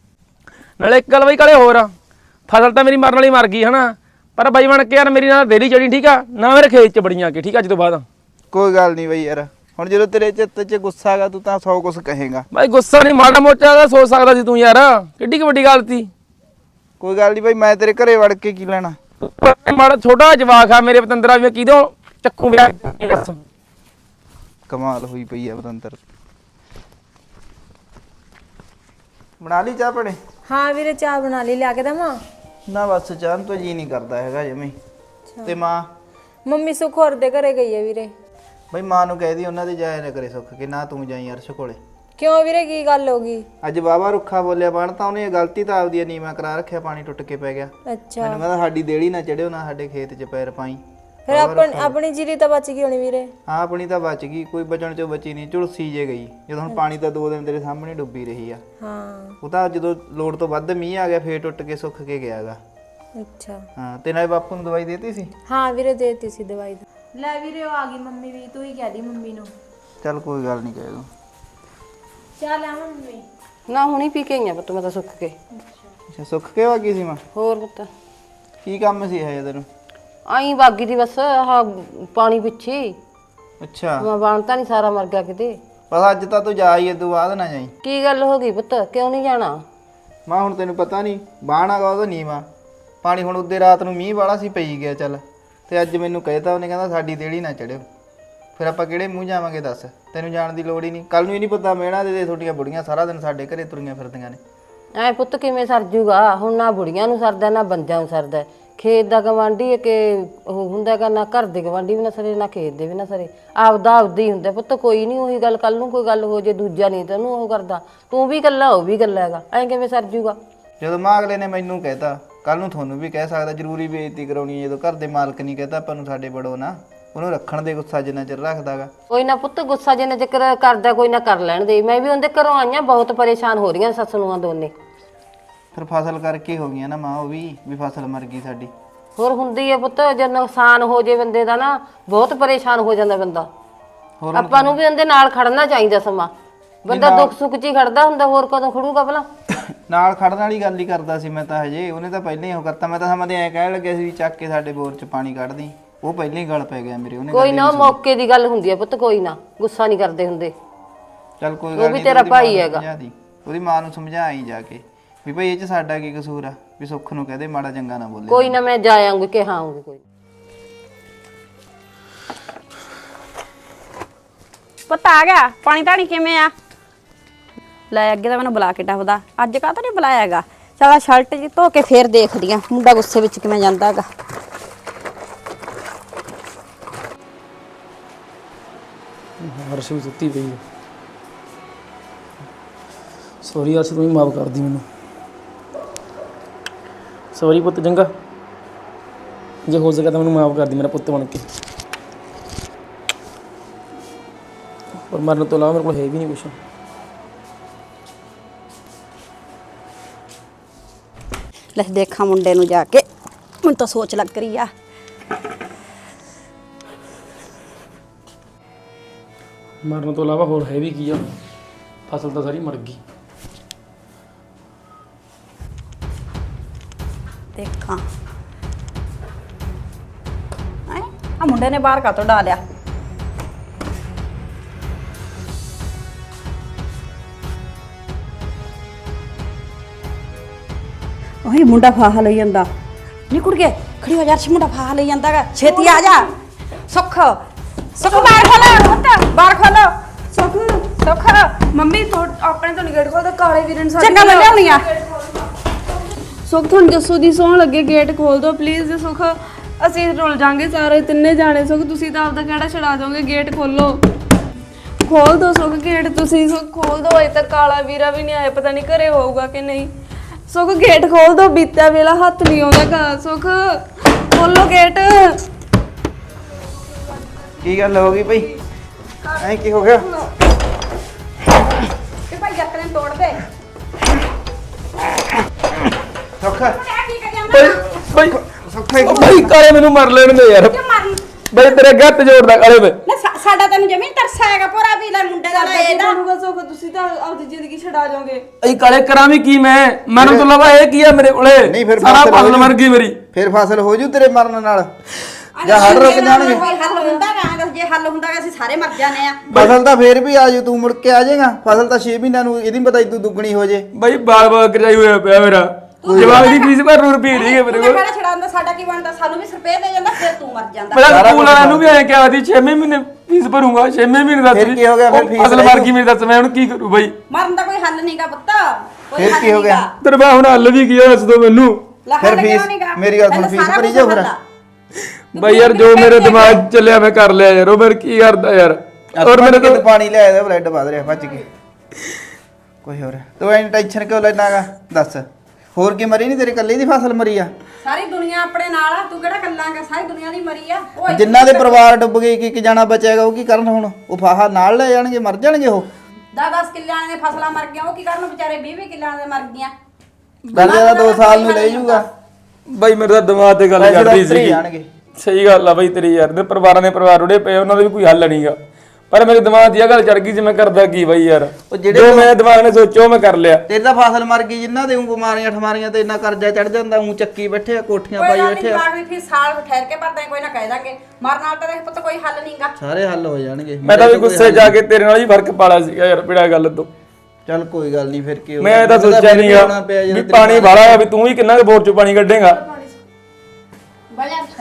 ਨਾਲੇ ਇੱਕ ਗੱਲ ਬਾਈ ਕਾਲੇ ਹੋਰ ਆ, ਫਸਲ ਤਾਂ ਮੇਰੀ ਮਰਨ ਵਾਲੀ ਮਰ ਗਈ ਹਨਾ, ਪਰ ਬਾਈ ਬਣ ਕੇ ਯਾਰ ਮੇਰੀ ਨਾਲ ਦੇਰੀ ਚੜੀ, ਠੀਕ ਆ ਨਾ? ਮੇਰੇ ਖੇਤ ਚ ਬੜੀਆਂ ਕੇ, ਠੀਕ ਆ? ਅੱਜ ਤੋਂ ਬਾਅਦ
ਕੋਈ ਗੱਲ ਨਹੀਂ ਬਈ ਯਾਰ, ਹੁਣ ਜਦੋਂ ਤੇਰੇ ਚਿੱਤ 'ਚ ਗੁੱਸਾ ਹੈਗਾ ਤੂੰ ਤਾਂ 100 ਕੁਛ ਕਹੇਗਾ।
ਬਾਈ ਗੁੱਸਾ ਨਹੀਂ, ਮਾੜਾ ਮੋਟਾ ਦਾ ਸੋਚ ਸਕਦਾ ਸੀ ਤੂੰ ਯਾਰ, ਕਿੱਡੀ ਕੁ ਵੱਡੀ ਗੱਲ ਸੀ।
ਕੋਈ ਗੱਲ ਨਹੀਂ ਬਈ, ਮੈਂ ਤੇਰੇ ਘਰੇ ਵੜ ਕੇ ਕੀ ਲੈਣਾ?
ਮਾੜਾ ਛੋਟਾ ਜਵਾਕ ਆ ਮੇਰੇ ਪਤੰਦਰਾ, ਵੀ ਕਿਦੋਂ ਚੱਕੂ ਵਿਆਹ ਦੱਸ।
ਕਮਾਲ ਹੋਈ ਪਈ ਆ ਬਤੰਤਰ। ਬਣਾ ਲਈ ਚਾਹ ਪੜੇ?
ਹਾਂ ਵੀਰੇ ਚਾਹ ਬਣਾ ਲਈ, ਲਿਆ ਕੇ ਦਵਾਂ?
ਨਾ ਬਸ ਚਾਹ ਤੋਂ ਜੀ ਨਹੀਂ ਕਰਦਾ ਹੈਗਾ ਜਮੇ। ਤੇ ਮਾਂ?
ਮੰਮੀ ਸੁੱਖ ਹੋਰ ਦੇ ਘਰੇ ਗਈ ਹੈ ਵੀਰੇ।
ਬਈ ਮਾਂ ਨੂੰ ਕਹਿ ਦੀ ਉਹਨਾਂ ਦੇ ਜਾਇਆ ਨਾ ਕਰੇ ਸੁੱਖ ਕੇ, ਨਾ ਤੂੰ ਜਾਈ ਅਰਸ਼ ਕੋਲੇ।
ਕਿਉਂ ਵੀਰੇ, ਕੀ ਗੱਲ ਹੋ ਗਈ?
ਅੱਜ ਬਾਬਾ ਰੁੱਖਾ ਬੋਲਿਆ ਬਣ ਤਾਂ ਉਹਨੇ ਗਲਤੀ ਤਾਂ ਆਪਦੀ ਨੀਵਾ ਕਰਾ ਰੱਖਿਆ, ਪਾਣੀ ਟੁੱਟ ਕੇ ਪੈ ਗਿਆ।
ਅੱਛਾ,
ਮੈਨੂੰ ਕਹਿੰਦਾ ਸਾਡੀ ਦੇੜੀ ਨਾ ਚੜਿਓ, ਨਾ ਸਾਡੇ ਖੇਤ 'ਚ ਪੈਰ ਪਾਈ।
ਫਿਰ ਆਪਣੀ ਜੀਰੀ ਤਾਂ ਬਚ ਗਈ ਹੋਣੀ ਵੀਰੇ।
ਹਾਂ ਆਪਣੀ ਤਾਂ ਬਚ ਗਈ, ਕੋਈ ਬਚਣ ਚੋਂ ਬਚੀ ਨਹੀਂ, ਝੁਲਸੀ ਜੇ ਗਈ। ਜਦੋਂ ਹੁਣ ਪਾਣੀ ਤਾਂ 2 ਦਿਨ ਤੇਰੇ ਸਾਹਮਣੇ ਡੁੱਬੀ ਰਹੀ ਆ।
ਹਾਂ
ਉਹ ਤਾਂ ਜਦੋਂ ਲੋੜ ਤੋਂ ਵੱਧ ਮੀਂਹ ਆ ਗਿਆ ਫੇਰ ਟੁੱਟ ਕੇ ਸੁੱਕ ਕੇ ਗਿਆਗਾ।
ਅੱਛਾ,
ਹਾਂ ਤੇ ਨਾਲੇ ਬਾਪੂ ਨੂੰ ਦਵਾਈ ਦੇਤੀ ਸੀ?
ਹਾਂ ਵੀਰੇ ਦੇਤੀ ਸੀ ਦਵਾਈ। ਲੈ ਵੀਰੇ ਉਹ ਆ ਗਈ ਮੰਮੀ ਵੀ, ਤੂੰ ਹੀ ਕਹਿ ਦੀ ਮੰਮੀ ਨੂੰ।
ਚੱਲ ਕੋਈ ਗੱਲ ਨਹੀਂ ਕਹਿ ਦੂੰ।
ਚਾਹ ਲੈ ਮੰਮੀ।
ਨਾ ਹੁਣੀ ਪੀ ਕੇ ਆਈਆਂ ਪੁੱਤ ਮੈਂ ਤਾਂ ਸੁੱਕ ਕੇ।
ਅੱਛਾ ਸੁੱਕ ਕੇ ਵਾਗੀ ਸੀ ਮਾਂ?
ਹੋਰ ਪੁੱਤ
ਕੀ ਕੰਮ ਸੀ ਹਜੇ ਤੈਨੂੰ?
ਆਈ ਬਾਗੀ ਦੀ ਬਸ ਆਹ ਪਾਣੀ ਪਿੱਛੇ।
ਅੱਛਾ
ਮੈਂ ਬਾਣਤਾ ਨਹੀਂ, ਸਾਰਾ ਮਰ ਗਿਆ ਕਿਤੇ।
ਬਸ ਅੱਜ ਤਾਂ ਤੂੰ ਜਾ ਹੀ ਇਦੋਂ ਬਾਅਦ ਨਾ ਜਾਈ।
ਕੀ ਗੱਲ ਹੋ ਗਈ ਪੁੱਤ, ਕਿਉਂ ਨਹੀਂ ਜਾਣਾ?
ਮਾਂ ਹੁਣ ਤੈਨੂੰ ਪਤਾ ਨਹੀਂ ਬਾਣਾਗਾ ਉਹਦਾ ਨੀਵਾ ਪਾਣੀ। ਹੁਣ ਉੱਦੇ ਰਾਤ ਨੂੰ ਮੀਂਹ ਵਾਲਾ ਸੀ ਪਈ ਗਿਆ ਚੱਲ, ਤੇ ਅੱਜ ਮੈਨੂੰ ਕਹਿਤਾ ਉਹਨੇ, ਕਹਿੰਦਾ ਸਾਡੀ ਦੇੜੀ ਨਾ ਚੜਿਓ। ਫਿਰ ਆਪਾਂ ਕਿਹੜੇ ਮੂੰਹ ਜਾਵਾਂਗੇ ਦੱਸ? ਤੈਨੂੰ ਜਾਣ ਦੀ ਲੋੜ ਹੀ ਨਹੀਂ। ਕੱਲ ਨੂੰ ਹੀ ਨਹੀਂ ਪਤਾ ਮੇਣਾ ਦੇ ਤੁਹਾਡੀਆਂ ਬੁੜੀਆਂ ਸਾਰਾ ਦਿਨ ਸਾਡੇ ਘਰੇ ਤੁਰੀਆਂ ਫਿਰਦੀਆਂ ਨੇ।
ਐ ਪੁੱਤ ਕਿਵੇਂ ਸਰ ਜੂਗਾ? ਹੁਣ ਨਾ ਬੁੜੀਆਂ ਨੂੰ ਸਰਦਾ ਨਾ ਬੰਦਿਆਂ ਨੂੰ ਸਰਦਾ। ਖੇਤ ਦਾ ਗਵਾਂਢੀ ਕਿ ਉਹ ਹੁੰਦਾ ਗਾ, ਨਾ ਘਰ ਦੇ ਗਵਾਂਢੀ ਵੀ ਨਾ ਸਰੇ, ਨਾ ਖੇਤ ਦੇ ਵੀ ਨਾ ਸਰੇ। ਆਪਦਾ ਹੀ ਹੁੰਦਾ ਪੁੱਤ, ਕੋਈ ਨਹੀਂ ਉਹੀ ਗੱਲ। ਕੱਲ ਨੂੰ ਕੋਈ ਗੱਲ ਹੋ ਜੇ ਦੂਜਾ ਨਹੀਂ ਤੈਨੂੰ ਉਹ ਕਰਦਾ, ਤੂੰ ਵੀ ਇਕੱਲਾ ਉਹ ਵੀ ਇਕੱਲਾ ਹੈਗਾ, ਐ ਕਿਵੇਂ ਸਰ ਜੂਗਾ?
ਜਦੋਂ ਮਾਂ ਅਗਲੇ ਨੇ ਮੈਨੂੰ ਕਹਿਤਾ, ਕੱਲ ਨੂੰ ਤੁਹਾਨੂੰ ਵੀ ਕਹਿ ਸਕਦਾ। ਜ਼ਰੂਰੀ ਬੇਇੱਜ਼ਤੀ ਕਰਾਉਣੀ ਹੈ ਜਦੋਂ ਘਰ ਦੇ ਮਾਲਕ ਨਹੀਂ ਕਹਿਤਾ ਆਪਾਂ ਨੂੰ ਸਾਡੇ ਬੜੋ ਨਾ, ਉਹਨੂੰ ਰੱਖਣ ਦੇ ਗੁੱਸਾ ਜਿੰਨਾ ਚਿਰ ਰੱਖਦਾਗਾ।
ਕੋਈ ਨਾ ਪੁੱਤ, ਗੁੱਸਾ ਜਿੰਨਾ ਜ਼ਿਕਰ ਕਰਦਾ ਕੋਈ ਨਾ ਕਰ ਲੈਣ ਦੇ। ਮੈਂ ਵੀ ਉਹਦੇ ਘਰੋਂ ਆਈਆਂ, ਬਹੁਤ ਪਰੇਸ਼ਾਨ ਹੋ ਰਹੀਆਂ ਸੱਸ ਨੂੰਹਾਂ ਦੋਨੇ।
ਫਿਰ ਫਸਲ ਕਰਕੇ ਹੋ ਗਈਆਂ ਨਾ ਮਾਂ, ਉਹ ਵੀ ਫਸਲ ਮਰ ਗਈ ਸਾਡੀ।
ਹੋਰ ਹੁੰਦੀ ਹੈ ਪੁੱਤ, ਜੇ ਨੁਕਸਾਨ ਹੋ ਜੇ ਬੰਦੇ ਦਾ ਨਾ ਬਹੁਤ ਪਰੇਸ਼ਾਨ ਹੋ ਜਾਂਦਾ ਬੰਦਾ। ਆਪਾਂ ਨੂੰ ਵੀ ਉਹਦੇ ਨਾਲ ਖੜਨਾ ਚਾਹੀਦਾ। ਸਮਾਂ ਬੰਦਾ ਦੁੱਖ ਸੁੱਖ 'ਚ ਹੀ ਖੜਦਾ ਹੁੰਦਾ, ਹੋਰ ਕਦੋਂ ਖੜੂਗਾ ਭਲਾ?
ਨਾਲ ਖੜਨ ਵਾਲੀ ਗੱਲ ਹੀ ਕਰਦਾ ਸੀ ਮੈਂ ਤਾਂ ਹਜੇ। ਉਹਨੇ ਤਾਂ ਪਹਿਲਾਂ ਹੀ ਉਹ ਕਰਤਾ। ਮੈਂ ਤਾਂ ਸਮਾਂ ਤੇ ਐਂ ਕਹਿਣ ਲੱਗਿਆ ਸੀ ਵੀ ਚੱਕ ਕੇ ਸਾਡੇ ਬੋਰ 'ਚ ਪਾਣੀ ਕੱਢਦੀ, ਉਹ ਪਹਿਲਾਂ ਹੀ ਗਲ ਪੈ ਗਿਆ ਮੇਰੇ। ਉਹਨੇ
ਕੋਈ ਨਾ, ਮੌਕੇ ਦੀ ਗੱਲ ਹੁੰਦੀ ਹੈ ਪੁੱਤ, ਕੋਈ ਨਾ ਗੁੱਸਾ ਨਹੀਂ ਕਰਦੇ ਹੁੰਦੇ।
ਚੱਲ ਕੋਈ
ਉਹ
ਗੱਲ
ਵੀ
ਨਹੀਂ,
ਤੇਰਾ ਭਾਈ ਹੈਗਾ।
ਉਹਦੀ ਮਾਂ ਨੂੰ ਸਮਝਾਈ ਜਾ ਕੇ ਵੀ ਭਾਈ ਇਹ 'ਚ ਸਾਡਾ ਕੀ ਕਸੂਰ ਆ, ਵੀ ਸੁੱਖ ਨੂੰ ਕਹਦੇ ਮਾੜਾ ਚੰਗਾ ਨਾ ਬੋਲੇ।
ਕੋਈ ਨਾ, ਮੈਂ ਜਾ ਆਉਂਗੀ ਕਿ ਹਾਂ ਆਉਂਗੀ। ਕੋਈ
ਪੁੱਤ ਆ ਗਿਆ? ਪਾਣੀ ਧਾਣੀ ਕਿਵੇਂ ਆ? ਲੈ ਅੱਗੇ ਤਾਂ ਮੈਨੂੰ ਬੁਲਾ ਕੇ ਟੱਪਦਾ, ਅੱਜ ਕਾਹ ਤੋਂ ਨਹੀਂ ਬੁਲਾਇਆ ਹੈਗਾ। ਚਲ ਸ਼ਰਟ ਜੀ ਧੋ ਕੇ ਫੇਰ ਦੇਖਦੀ ਆ ਮੁੰਡਾ ਗੁੱਸੇ ਵਿੱਚ ਕਿਵੇਂ ਜਾਂਦਾ ਹੈਗਾ।
ਹਰਸ਼ ਵੀ ਸੁੱਤੀ ਪਈ ਹੈ। ਸੌਰੀ ਹਰਸ਼, ਤੂੰ ਹੀ ਮਾਫ ਕਰਦੀ ਮੈਨੂੰ। ਸੌਰੀ ਪੁੱਤ ਚੰਗਾ, ਜੇ ਹੋ ਸਕਿਆ ਤਾਂ ਮੈਨੂੰ ਮਾਫ ਕਰਦੀ ਮੇਰਾ ਪੁੱਤ ਬਣ ਕੇ। ਪਰ ਮਰਨ ਤੋਂ ਇਲਾਵਾ ਮੇਰੇ ਕੋਲ ਹੈ ਵੀ ਨਹੀਂ ਕੁਛ।
ਲੈ ਦੇਖਾਂ ਮੁੰਡੇ ਨੂੰ ਜਾ ਕੇ, ਮੈਨੂੰ ਤਾਂ ਸੋਚ ਲੱਗ ਰਹੀ ਆ।
ਮਰਨ ਤੋਂ ਇਲਾਵਾ ਹੋਰ ਹੈ ਵੀ ਕੀ ਆ? ਫਸਲ ਤਾਂ ਸਾਰੀ ਮਰ ਗਈ।
ਦੇਖਾਂ ਆ ਮੁੰਡੇ ਨੇ ਬਾਹਰ ਕਾਤੋਂ ਡਾਲਿਆ। ਉਹੀ ਮੁੰਡਾ ਫਾਹਾ ਲਈ ਜਾਂਦਾ। ਨੀ ਕੁੜੀਏ ਖੜੀ ਹੋ ਜਾ, ਮੁੰਡਾ ਫਾਹਾ ਲਈ ਜਾਂਦਾ ਗਾ, ਛੇਤੀ ਆ ਜਾ। ਸੁੱਖ ਸੁੱਖ ਬਾਹਰ ਖੋਲੋ, ਪੁੱਤ ਬਾਹਰ ਖੋਲੋ।
ਸੁੱਖ
ਸੁੱਖ
ਮੰਮੀ ਆਪਣੇ ਤੋਂ ਗੇਟ ਖੋਲ, ਕਾਲੇ ਵੀਰੇ ਨੇ
ਚੰਗਾ ਮੈਂ ਲਿਆਉਣੀ ਆ।
ਸੁੱਖ ਤੁਹਾਨੂੰ ਜੱਸੂ ਦੀ ਸੌਂ ਲੱਗੇ, ਗੇਟ ਖੋਲ ਦਿਓ ਪਲੀਜ਼। ਸੁੱਖ ਅਸੀਂ ਰੁੱਲ ਜਾਾਂਗੇ ਸਾਰੇ ਤਿੰਨੇ ਜਾਣੇ। ਸੁੱਖ ਤੁਸੀਂ ਤਾਂ ਆਪਦਾ ਕਿਹੜਾ ਛਡਾ ਦੋਗੇ, ਗੇਟ ਖੋਲੋ। ਖੋਲ ਦਿਓ ਸੁੱਖ ਗੇਟ, ਤੁਸੀਂ ਸੁੱਖ ਖੋਲ ਦਿਓ। ਅਜੇ ਤੱਕ ਕਾਲਾ ਵੀਰਾ ਵੀ ਨਹੀਂ ਆਇਆ, ਪਤਾ ਨਹੀਂ ਘਰੇ ਹੋਊਗਾ ਕਿ ਨਹੀਂ। ਸੁੱਖ ਗੇਟ ਖੋਲ ਦਿਓ, ਬੀਤਿਆ ਵੇਲਾ ਹੱਥ ਨਹੀਂ ਆਉਂਦਾ ਘਰ। ਸੁੱਖ ਖੋਲੋ ਗੇਟ।
ਕੀ ਗੱਲ ਹੋ ਗਈ ਭਾਈ? ਐ ਕੀ ਹੋ ਗਿਆ?
ਤੇ ਭਾਈ ਜੱਕ ਨੇ ਤੋੜ ਦੇ।
ਸੌਖਾ
ਕੀ ਕਰੀ ਜਾਂਦਾ?
ਬਈ
ਸੌਖਾ
ਬਈ ਕਾਲੇ ਮੈਨੂੰ ਮਰ ਲੈਣ ਦੇ ਯਾਰ।
ਕਿਉਂ ਮਾਰਨ?
ਬਈ ਤੇਰੇ ਗੱਤ ਜੋੜਦਾ ਕਾਲੇ ਵੇ।
ਨਾ ਸਾਡਾ ਤੈਨੂੰ ਜ਼ਮੀਨ ਤਰਸ ਆਏਗਾ ਪੂਰਾ ਵੀ ਲੈ ਮੁੰਡੇ ਦਾ ਲੈ ਇਹਦਾ।
ਸੁੱਖ ਤੁਸੀਂ ਤਾਂ ਆਪਦੀ ਜ਼ਿੰਦਗੀ ਛਡਾ ਜਾਓਗੇ।
ਅਈ ਕਾਲੇ ਕਰਾਂ ਵੀ ਕੀ ਮੈਂ? ਮਰਨ ਤੋਂ ਇਲਾਵਾ ਇਹ ਕੀ ਆ ਮੇਰੇ ਕੋਲੇ?
ਨਹੀਂ ਫਿਰ
ਸਾਰਾ
ਫਸਲ
ਫਸਲ
ਹੋ
ਮਰ ਗਈ ਮੇਰੀ।
ਫਿਰ ਫਸਲ ਹੋ ਜੂ ਤੇਰੇ ਮਰਨ ਨਾਲ, ਜਾਂ ਹੜ ਰੁਕ ਜਾਣਗੇ।
ਕੋਈ ਹੱਲ ਹੁੰਦਾ ਗਾ? ਜੇ ਹੱਲ ਹੁੰਦਾ ਗਾ ਅਸੀਂ ਸਾਰੇ ਮਰ ਜਾਣੇ ਆ।
ਫਸਲ ਤਾਂ ਫੇਰ ਵੀ ਆ ਜੂ, ਤੂੰ ਮੁੜ ਕੇ ਆ ਜਾਏਗਾ। ਫਸਲ ਤਾਂ 6 ਮਹੀਨਿਆਂ ਨੂੰ, ਇਹਦੀ ਪਤਾ ਤੂੰ ਦੁੱਗਣੀ ਹੋ ਜੇ।
ਬਈ ਬਾਲ ਬਾਲ ਕਰਜਾਈ ਹੋਇਆ ਪਿਆ ਮੇਰਾ। ਜਵਾਬ ਦੀ ਫੀਸ ਪਰ ਰੁਪਏ ਨਹੀਂ ਹੈ ਮੇਰੇ ਕੋਲ।
ਕਿਹੜਾ ਛੜਾਉਂਦਾ? ਸਾਡਾ ਕੀ ਬਣਦਾ? ਸਾਨੂੰ ਵੀ ਸਰਪੇ ਦੇ ਜਾਂਦਾ, ਫਿਰ ਤੂੰ ਮਰ ਜਾਂਦਾ।
ਮੇਰਾ ਸਕੂਲ ਵਾਲਿਆਂ ਨੂੰ ਵੀ ਐਂ ਕਿਹਾ ਸੀ 6ਵੇਂ ਮਹੀਨੇ ਫੀਸ ਭਰੂੰਗਾ। 6ਵੇਂ ਮਹੀਨੇ ਦਾ
ਫਿਰ ਕੀ ਹੋ ਗਿਆ? ਫਿਰ ਫੀਸ
ਫਸਲ ਮਰ ਗਈ ਮੇਰੀ, ਦੱਸ ਮੈਂ ਹੁਣ ਕੀ ਕਰੂ ਬਈ?
ਮਰਨ ਦਾ ਕੋਈ ਹੱਲ ਨਹੀਂਗਾ ਪੁੱਤ, ਕੋਈ
ਫਿਰ
ਹੱਲ
ਕੀ ਹੋ ਗਿਆ?
ਨੀਗਾ।
ਤੇਰੇ ਬਾ ਹੁਣ ਹੱਲ ਵੀ ਕੀ ਆ, ਦੱਸ ਦੋ ਮੈਨੂੰ।
ਲੈ
ਫਿਰ
ਹੱਲ ਕਿਉਂ
ਫੀਸ-
ਨੀਗਾ?
ਮੇਰੀ ਗੱਲ ਸੁਣ,
ਤੈਨੂੰ
ਫੀਸ
ਸਾਰਾ
ਭਰੀ
ਕੁਛ
ਜਾਓ ਫਿਰ।
ਹੱਲ ਆ।
ਬਈ ਯਾਰ ਜੋ ਮੇਰੇ ਦਿਮਾਗ 'ਚ ਚੱਲਿਆ ਮੈਂ ਕਰ ਲਿਆ ਯਾਰ। ਉਹ ਫਿਰ ਕੀ ਕਰਦਾ ਯਾਰ? ਔਰ ਮੇਰੇ ਤੋਂ
ਪਾਣੀ ਲੈ ਆਇਆ, ਬਲੱਡ ਵਧ ਰਿਹਾ ਭੱਜ ਕੇ। ਕੋਈ ਹੋਰ ਤੂੰ ਐਂ ਟੈਨਸ਼ਨ ਕਿਉਂ ਲੈਣਾਗਾ? ਦੱਸ ਹੋਰ ਕੀ ਮਰੀ ਨਹੀਂ? ਤੇਰੇ ਇਕੱਲੇ ਦੀ ਫਸਲ ਮਰੀ ਆ?
ਸਾਰੀ ਦੁਨੀਆ ਆਪਣੇ ਨਾਲ ਆ, ਤੂੰ ਕਿਹੜਾ ਕੱਲਾਂਗਾ? ਸਾਰੀ ਦੁਨੀਆ ਦੀ ਮਰੀ ਆ। ਉਹ
ਜਿਨ੍ਹਾਂ ਦੇ ਪਰਿਵਾਰ ਡੁੱਬ ਗਏ, ਇੱਕ ਜਾਣਾ ਬਚੇਗਾ, ਉਹ ਕੀ ਕਰਨ ਹੁਣ? ਉਹ ਫਾਹਾ ਨਾਲ ਲੈ ਜਾਣਗੇ, ਮਰ ਜਾਣਗੇ ਉਹ।
10-10 ਕਿੱਲਿਆਂ ਦੀਆਂ ਫਸਲਾਂ ਮਰ ਗਈਆਂ, ਉਹ ਕੀ ਕਰਨ ਵਿਚਾਰੇ? 20-20 ਕਿੱਲਿਆਂ ਦੇ ਮਰ ਗਈਆਂ।
ਦਰਜਾ ਦਾ 2 ਸਾਲ ਨੂੰ ਲੈ ਜਾਊਗਾ।
ਬਈ ਮੇਰੇ ਤਾਂ ਦਿਮਾਗ ਤੇ ਗੱਲ
ਪੈਸੇ ਤਾਂ
ਕਰਦੀ
ਉੱਤਰ ਹੀ
ਸੀ।
ਜਾਣਗੇ।
ਸਹੀ ਗੱਲ ਆ ਬਈ ਤੇਰੀ ਯਾਰ। ਦੇ ਪਰਿਵਾਰਾਂ ਦੇ ਪਰਿਵਾਰ ਉੜੇ ਪਏ, ਉਹਨਾਂ ਦਾ ਵੀ ਕੋਈ ਹੱਲ ਨਹੀਂਗਾ। ਪਰ ਮੇਰੇ ਦਿਮਾਗ 'ਚ ਇਹ ਗੱਲ ਚੜ ਗਈ ਸੀ, ਮੈਂ ਕਰਦਾ ਕੀ ਬਈ ਯਾਰ?
ਉਹ ਜਿਹੜੇ
ਜੋ ਮੈਂ ਦਿਮਾਗ ਨੇ ਸੋਚਿਆ ਉਹ ਮੈਂ ਕਰ ਲਿਆ।
ਤੇਰੇ ਤਾਂ ਫਸਲ ਮਰ ਗਈ, ਜਿਨ੍ਹਾਂ ਦੇ ਉਹ ਬਿਮਾਰੀਆਂ ਠਮਾਰੀਆਂ ਤੇ ਇੰਨਾ ਕਰਜ਼ਾ ਚੜ ਜਾਂਦਾ, ਉਹ ਚੱਕੀ ਬੈਠੇ ਆ, ਕੋਠੀਆਂ
ਕੋਈ
ਪਾਈ
ਗੱਲ
ਬੈਠੇ
ਨਹੀਂ,
ਆ।
ਬਾਗ ਵੀ ਫਿਰ ਸਾਲ ਠਹਿਰ ਕੇ ਭਰਦੇ ਕੋਈ ਨਾ ਕਹਿ ਦਾਂਗੇ। ਮਰਨ ਨਾਲ ਤਾਂ ਦੇਖ ਪੁੱਤ ਕੋਈ ਹੱਲ ਨਹੀਂਗਾ।
ਸਾਰੇ ਹੱਲ ਹੋ ਜਾਣਗੇ।
ਮੈਂ ਤਾਂ ਵੀ ਗੁੱਸੇ ਜਾ ਕੇ ਤੇਰੇ ਨਾਲ ਹੀ ਫਰਕ ਪਾਲਾ ਸੀਗਾ ਯਾਰ, ਬਿੜਾ ਗੱਲ ਤੋਂ।
ਚੱਲ ਕੋਈ ਗੱਲ ਨਹੀਂ, ਫਿਰ ਕੀ ਹੋ
ਮੈਂ ਇਹ ਤਾਂ ਸੋਚਿਆ ਨਹੀਂਗਾ ਵੀ ਪਾਣੀ ਵਾਲਾ ਆ, ਵੀ ਤੂੰ ਹੀ ਕਿੰਨਾ ਕੁ ਬੋਰ 'ਚੋਂ ਪਾਣੀ ਕੱਢੇਗਾ।
ਬਜਾ ਅੱਛਾ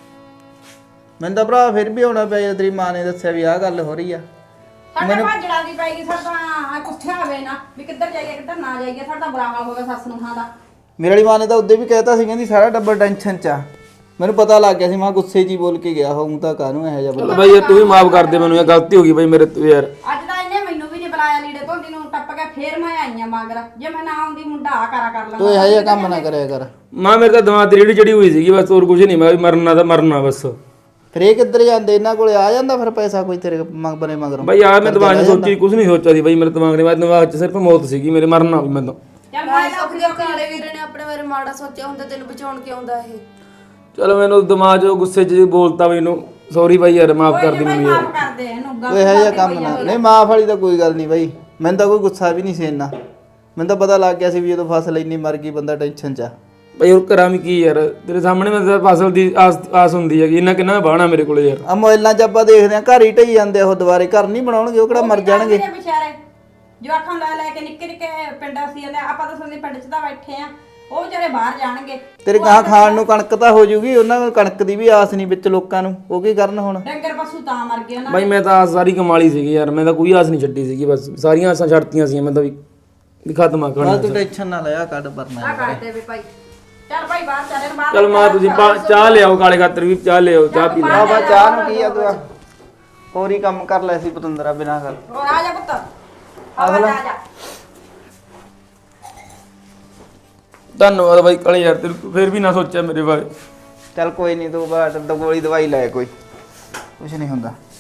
ਮੈਨੂੰ ਤਾਂ ਭਰਾ ਫਿਰ ਵੀ ਆਉਣਾ ਪਿਆ ਜਦੋਂ ਤੇਰੀ ਮਾਂ ਨੇ ਦੱਸਿਆ ਵੀ ਆਹ ਗੱਲ ਹੋ ਰਹੀ ਆ।
ਸਾਡਾ ਭਾਜੜਾ ਦੀ ਪੈਗੀ, ਸਾਡਾ ਕੁੱਠਿਆ ਹੋਵੇ ਨਾ ਵੀ ਕਿੱਧਰ ਜਾਈਏ ਕਿੱਧਰ ਨਾ ਜਾਈਏ। ਸਾਡਾ ਬੁਰਾ ਹਾਲ ਹੋ ਗਿਆ ਸੱਸ ਨੂੰ ਖਾਂ ਦਾ।
ਮੇਰੇ ਵਾਲੀ ਮਾਂ ਨੇ ਤਾਂ ਉਦੋਂ ਵੀ ਕਹਿਤਾ ਸੀ, ਕਹਿੰਦੀ ਸਾਰਾ ਟੱਬਰ ਟੈਨਸ਼ਨ 'ਚ ਆ। ਮੈਨੂੰ ਪਤਾ ਲੱਗ ਗਿਆ ਸੀ, ਮਾਂ ਗੁੱਸੇ 'ਚ ਹੀ ਬੋਲ ਕੇ ਗਿਆ ਹੋਊ, ਤਾਂ ਕਾਹਨੂੰ ਇਹੋ ਜਿਹਾ ਬੋਲ।
ਬਈ ਯਾਰ ਤੂੰ ਵੀ ਮਾਫ ਕਰ ਦੇ ਮੈਨੂੰ, ਇਹ ਗਲਤੀ ਹੋ ਗਈ ਬਈ ਮੇਰੇ ਤੋਂ ਯਾਰ।
ਅੱਜ ਤਾਂ ਇਹਨੇ ਮੈਨੂੰ ਵੀ ਨਹੀਂ ਬੁਲਾਇਆ, ਲੀੜੇ ਧੋਂਦੀ ਨੂੰ ਟੱਪ ਕੇ ਫੇਰ ਮੈਂ ਆਈਆਂ ਮਗਰ। ਜੇ ਮੈਂ ਨਾ ਆਉਂਦੀ ਮੁੰਡਾ ਆ ਕਰਾ ਕਰ ਲੈਂਦਾ।
ਤੂੰ ਇਹੋ ਜਿਹਾ ਕੰਮ ਨਾ ਕਰਿਆ ਕਰ।
ਮਾਂ ਮੇਰੇ ਤਾਂ ਦਿਮਾਗ ਤੇ ਰੀੜੀ ਚੜੀ ਹੋਈ ਸੀਗੀ, ਬਸ ਹੋਰ ਕੁਝ ਨਹੀਂ। ਮੈਂ ਵੀ ਮਰਨਾ ਤਾਂ ਮਰਨਾ ਬਸ।
ਫਿਰ ਇਹ ਕਿੱਧਰ ਜਾਂਦੇ? ਇਹਨਾਂ ਕੋਲੇ ਆ ਜਾਂਦਾ ਫਿਰ ਪੈਸਾ ਕੋਈ ਤੇਰੇ ਬਨੇ ਮਗਰੋਂ?
ਬਈ ਯਾਰ ਮੈਂ ਦਿਮਾਗ ਨੇ ਸੋਚੀ ਕੁਝ ਨਹੀਂ ਸੋਚਿਆ ਸੀ ਬਈ ਮੇਰੇ ਦਿਮਾਗ 'ਚ ਸਿਰਫ ਮੌਤ ਸੀਗੀ, ਮੇਰੇ ਮਰਨਾ ਵੀ ਮੈਂ ਤਾਂ।
ਚੱਲ ਮੈਂ
ਸੁੱਖ ਦੇ ਕਾਲੇ ਵੀਰੇ ਨੇ ਆਪਣੇ ਬਾਰੇ ਮਾੜਾ ਸੋਚਿਆ ਹੁੰਦਾ, ਤੈਨੂੰ ਬਚਾਉਣ ਕਿਉਂ ਆਉਂਦਾ ਇਹ?
ਚਲੋ ਮੈਨੂੰ ਦਿਮਾਗ 'ਚ ਗੁੱਸੇ 'ਚ ਬੋਲਤਾ ਮੈਨੂੰ, ਸੌਰੀ ਬਾਈ ਯਾਰ, ਮਾਫ ਕਰ ਦੇ ਮੈਨੂੰ ਯਾਰ।
ਮਾਫ ਕਰ ਦੇ ਇਹਨੂੰ।
ਕੋਈ ਇਹੋ ਜਿਹਾ ਕੰਮ ਨਾ। ਨਹੀਂ ਮਾਫ ਵਾਲੀ ਤਾਂ ਕੋਈ ਗੱਲ ਨਹੀਂ ਬਾਈ, ਮੈਨੂੰ ਤਾਂ ਕੋਈ ਗੁੱਸਾ ਵੀ ਨਹੀਂ ਸੀ ਇੰਨਾ। ਮੈਨੂੰ ਤਾਂ ਪਤਾ ਲੱਗ ਗਿਆ ਸੀ ਵੀ ਜਦੋਂ ਫਸਲ ਇੰਨੀ ਮਰ ਗਈ ਬੰਦਾ ਟੈਨਸ਼ਨ 'ਚ ਆ।
ਬਈ ਹੋਰ ਕਰਾਂ ਵੀ ਕੀ ਯਾਰ? ਤੇਰੇ ਸਾਹਮਣੇ ਮੈਂ ਤਾਂ ਫਸਲ ਦੀ ਆਸ ਹੁੰਦੀ ਹੈਗੀ, ਇੰਨਾ ਕਿੰਨਾ ਬਾਹਣਾ ਮੇਰੇ ਕੋਲੇ ਯਾਰ।
ਆ ਮੋਬਾਈਲਾਂ 'ਚ ਆਪਾਂ ਦੇਖਦੇ ਆ ਘਰ ਹੀ ਢਈ ਜਾਂਦੇ ਆ, ਉਹ ਦੁਬਾਰੇ ਘਰ ਨਹੀਂ ਬਣਾਉਣਗੇ, ਉਹ ਕਿਹੜਾ ਮਰ ਜਾਣਗੇ।
ਵਿਚਾਰੇ ਜਵਾਕਾਂ ਲੈ ਲੈ ਕੇ ਨਿੱਕੇ ਨਿੱਕੇ ਪਿੰਡਾਂ ਸੀ ਜਾਂਦੇ। ਆਪਾਂ ਤਾਂ ਸੁਣਦੇ ਪਿੰਡ 'ਚ ਤਾਂ ਬੈਠੇ ਆ, ਉਹ ਵਿਚਾਰੇ ਬਾਹਰ ਜਾਣਗੇ।
ਤੇਰੇ ਗਾਂ ਖਾਣ ਨੂੰ ਕਣਕ ਤਾਂ ਹੋ ਜੂਗੀ, ਉਹਨਾਂ ਨੂੰ ਕਣਕ ਦੀ ਵੀ ਆਸ ਨਹੀਂ ਵਿੱਚ ਲੋਕਾਂ ਨੂੰ, ਉਹ ਕੀ ਕਰਨ ਹੁਣ?
ਡੰਗਰ ਪਸ਼ੂ ਤਾਂ ਮਰ ਗਏ ਨਾ।
ਬਾਈ ਮੈਂ ਤਾਂ ਆਸ ਸਾਰੀ ਕਮਾਲੀ ਸੀਗੀ ਯਾਰ, ਮੈਂ ਤਾਂ ਕੋਈ ਆਸ ਨਹੀਂ ਛੱਡੀ ਸੀਗੀ, ਬਸ ਸਾਰੀਆਂ ਆਸਾਂ ਛੱਡਤੀਆਂ ਸੀ ਮੈਂ ਤਾਂ ਵੀ ਖਤਮ ਆ
ਬਸ
ਕਹਾਣੀ।
ਤੂੰ ਟੈਨਸ਼ਨ ਨਾ ਲਿਆ, ਕੱਢ ਪਰਨਾ।
ਆ ਕਰਦੇ ਵੀ ਭਾਈ। ਚੱਲ ਭਾਈ ਬਾਹਰ ਚੱਲ ਬਾਹਰ।
ਚਲ ਮਾਂ ਤੁਸੀਂ ਚਾਹ ਲਿਆਓ, ਕਾਲੇ ਖਾਤਰ ਵੀ ਚਾਹ ਲਿਆਓ, ਚਾਹ ਪੀ ਲੈ।
ਆ ਬਾ ਚਾਹ ਨੂੰ ਕੀ ਆ ਤੂੰ? ਹੋਰ ਹੀ ਕੰਮ ਕਰ ਲਿਆ ਸੀ ਪਤੰਦਰਾ ਬਿਨਾਂ ਗੱਲ।
ਹੋਰ ਆ ਜਾ ਪੁੱਤ
ਆ ਲੈ।
ਆ ਜਾ
ਧੰਨਵਾਦ ਬਾਈ ਕਾਲੇ ਯਾਰ, ਤੈਨੂੰ ਫੇਰ ਵੀ ਨਾ ਸੋਚਿਆ ਮੇਰੇ ਬਾਰੇ।
ਚੱਲ ਕੋਈ ਨਹੀਂ, ਤੂੰ ਬਾਟ ਗੋਲੀ ਦਵਾਈ ਲੈ, ਕੋਈ ਕੁਛ ਨਹੀਂ ਹੁੰਦਾ।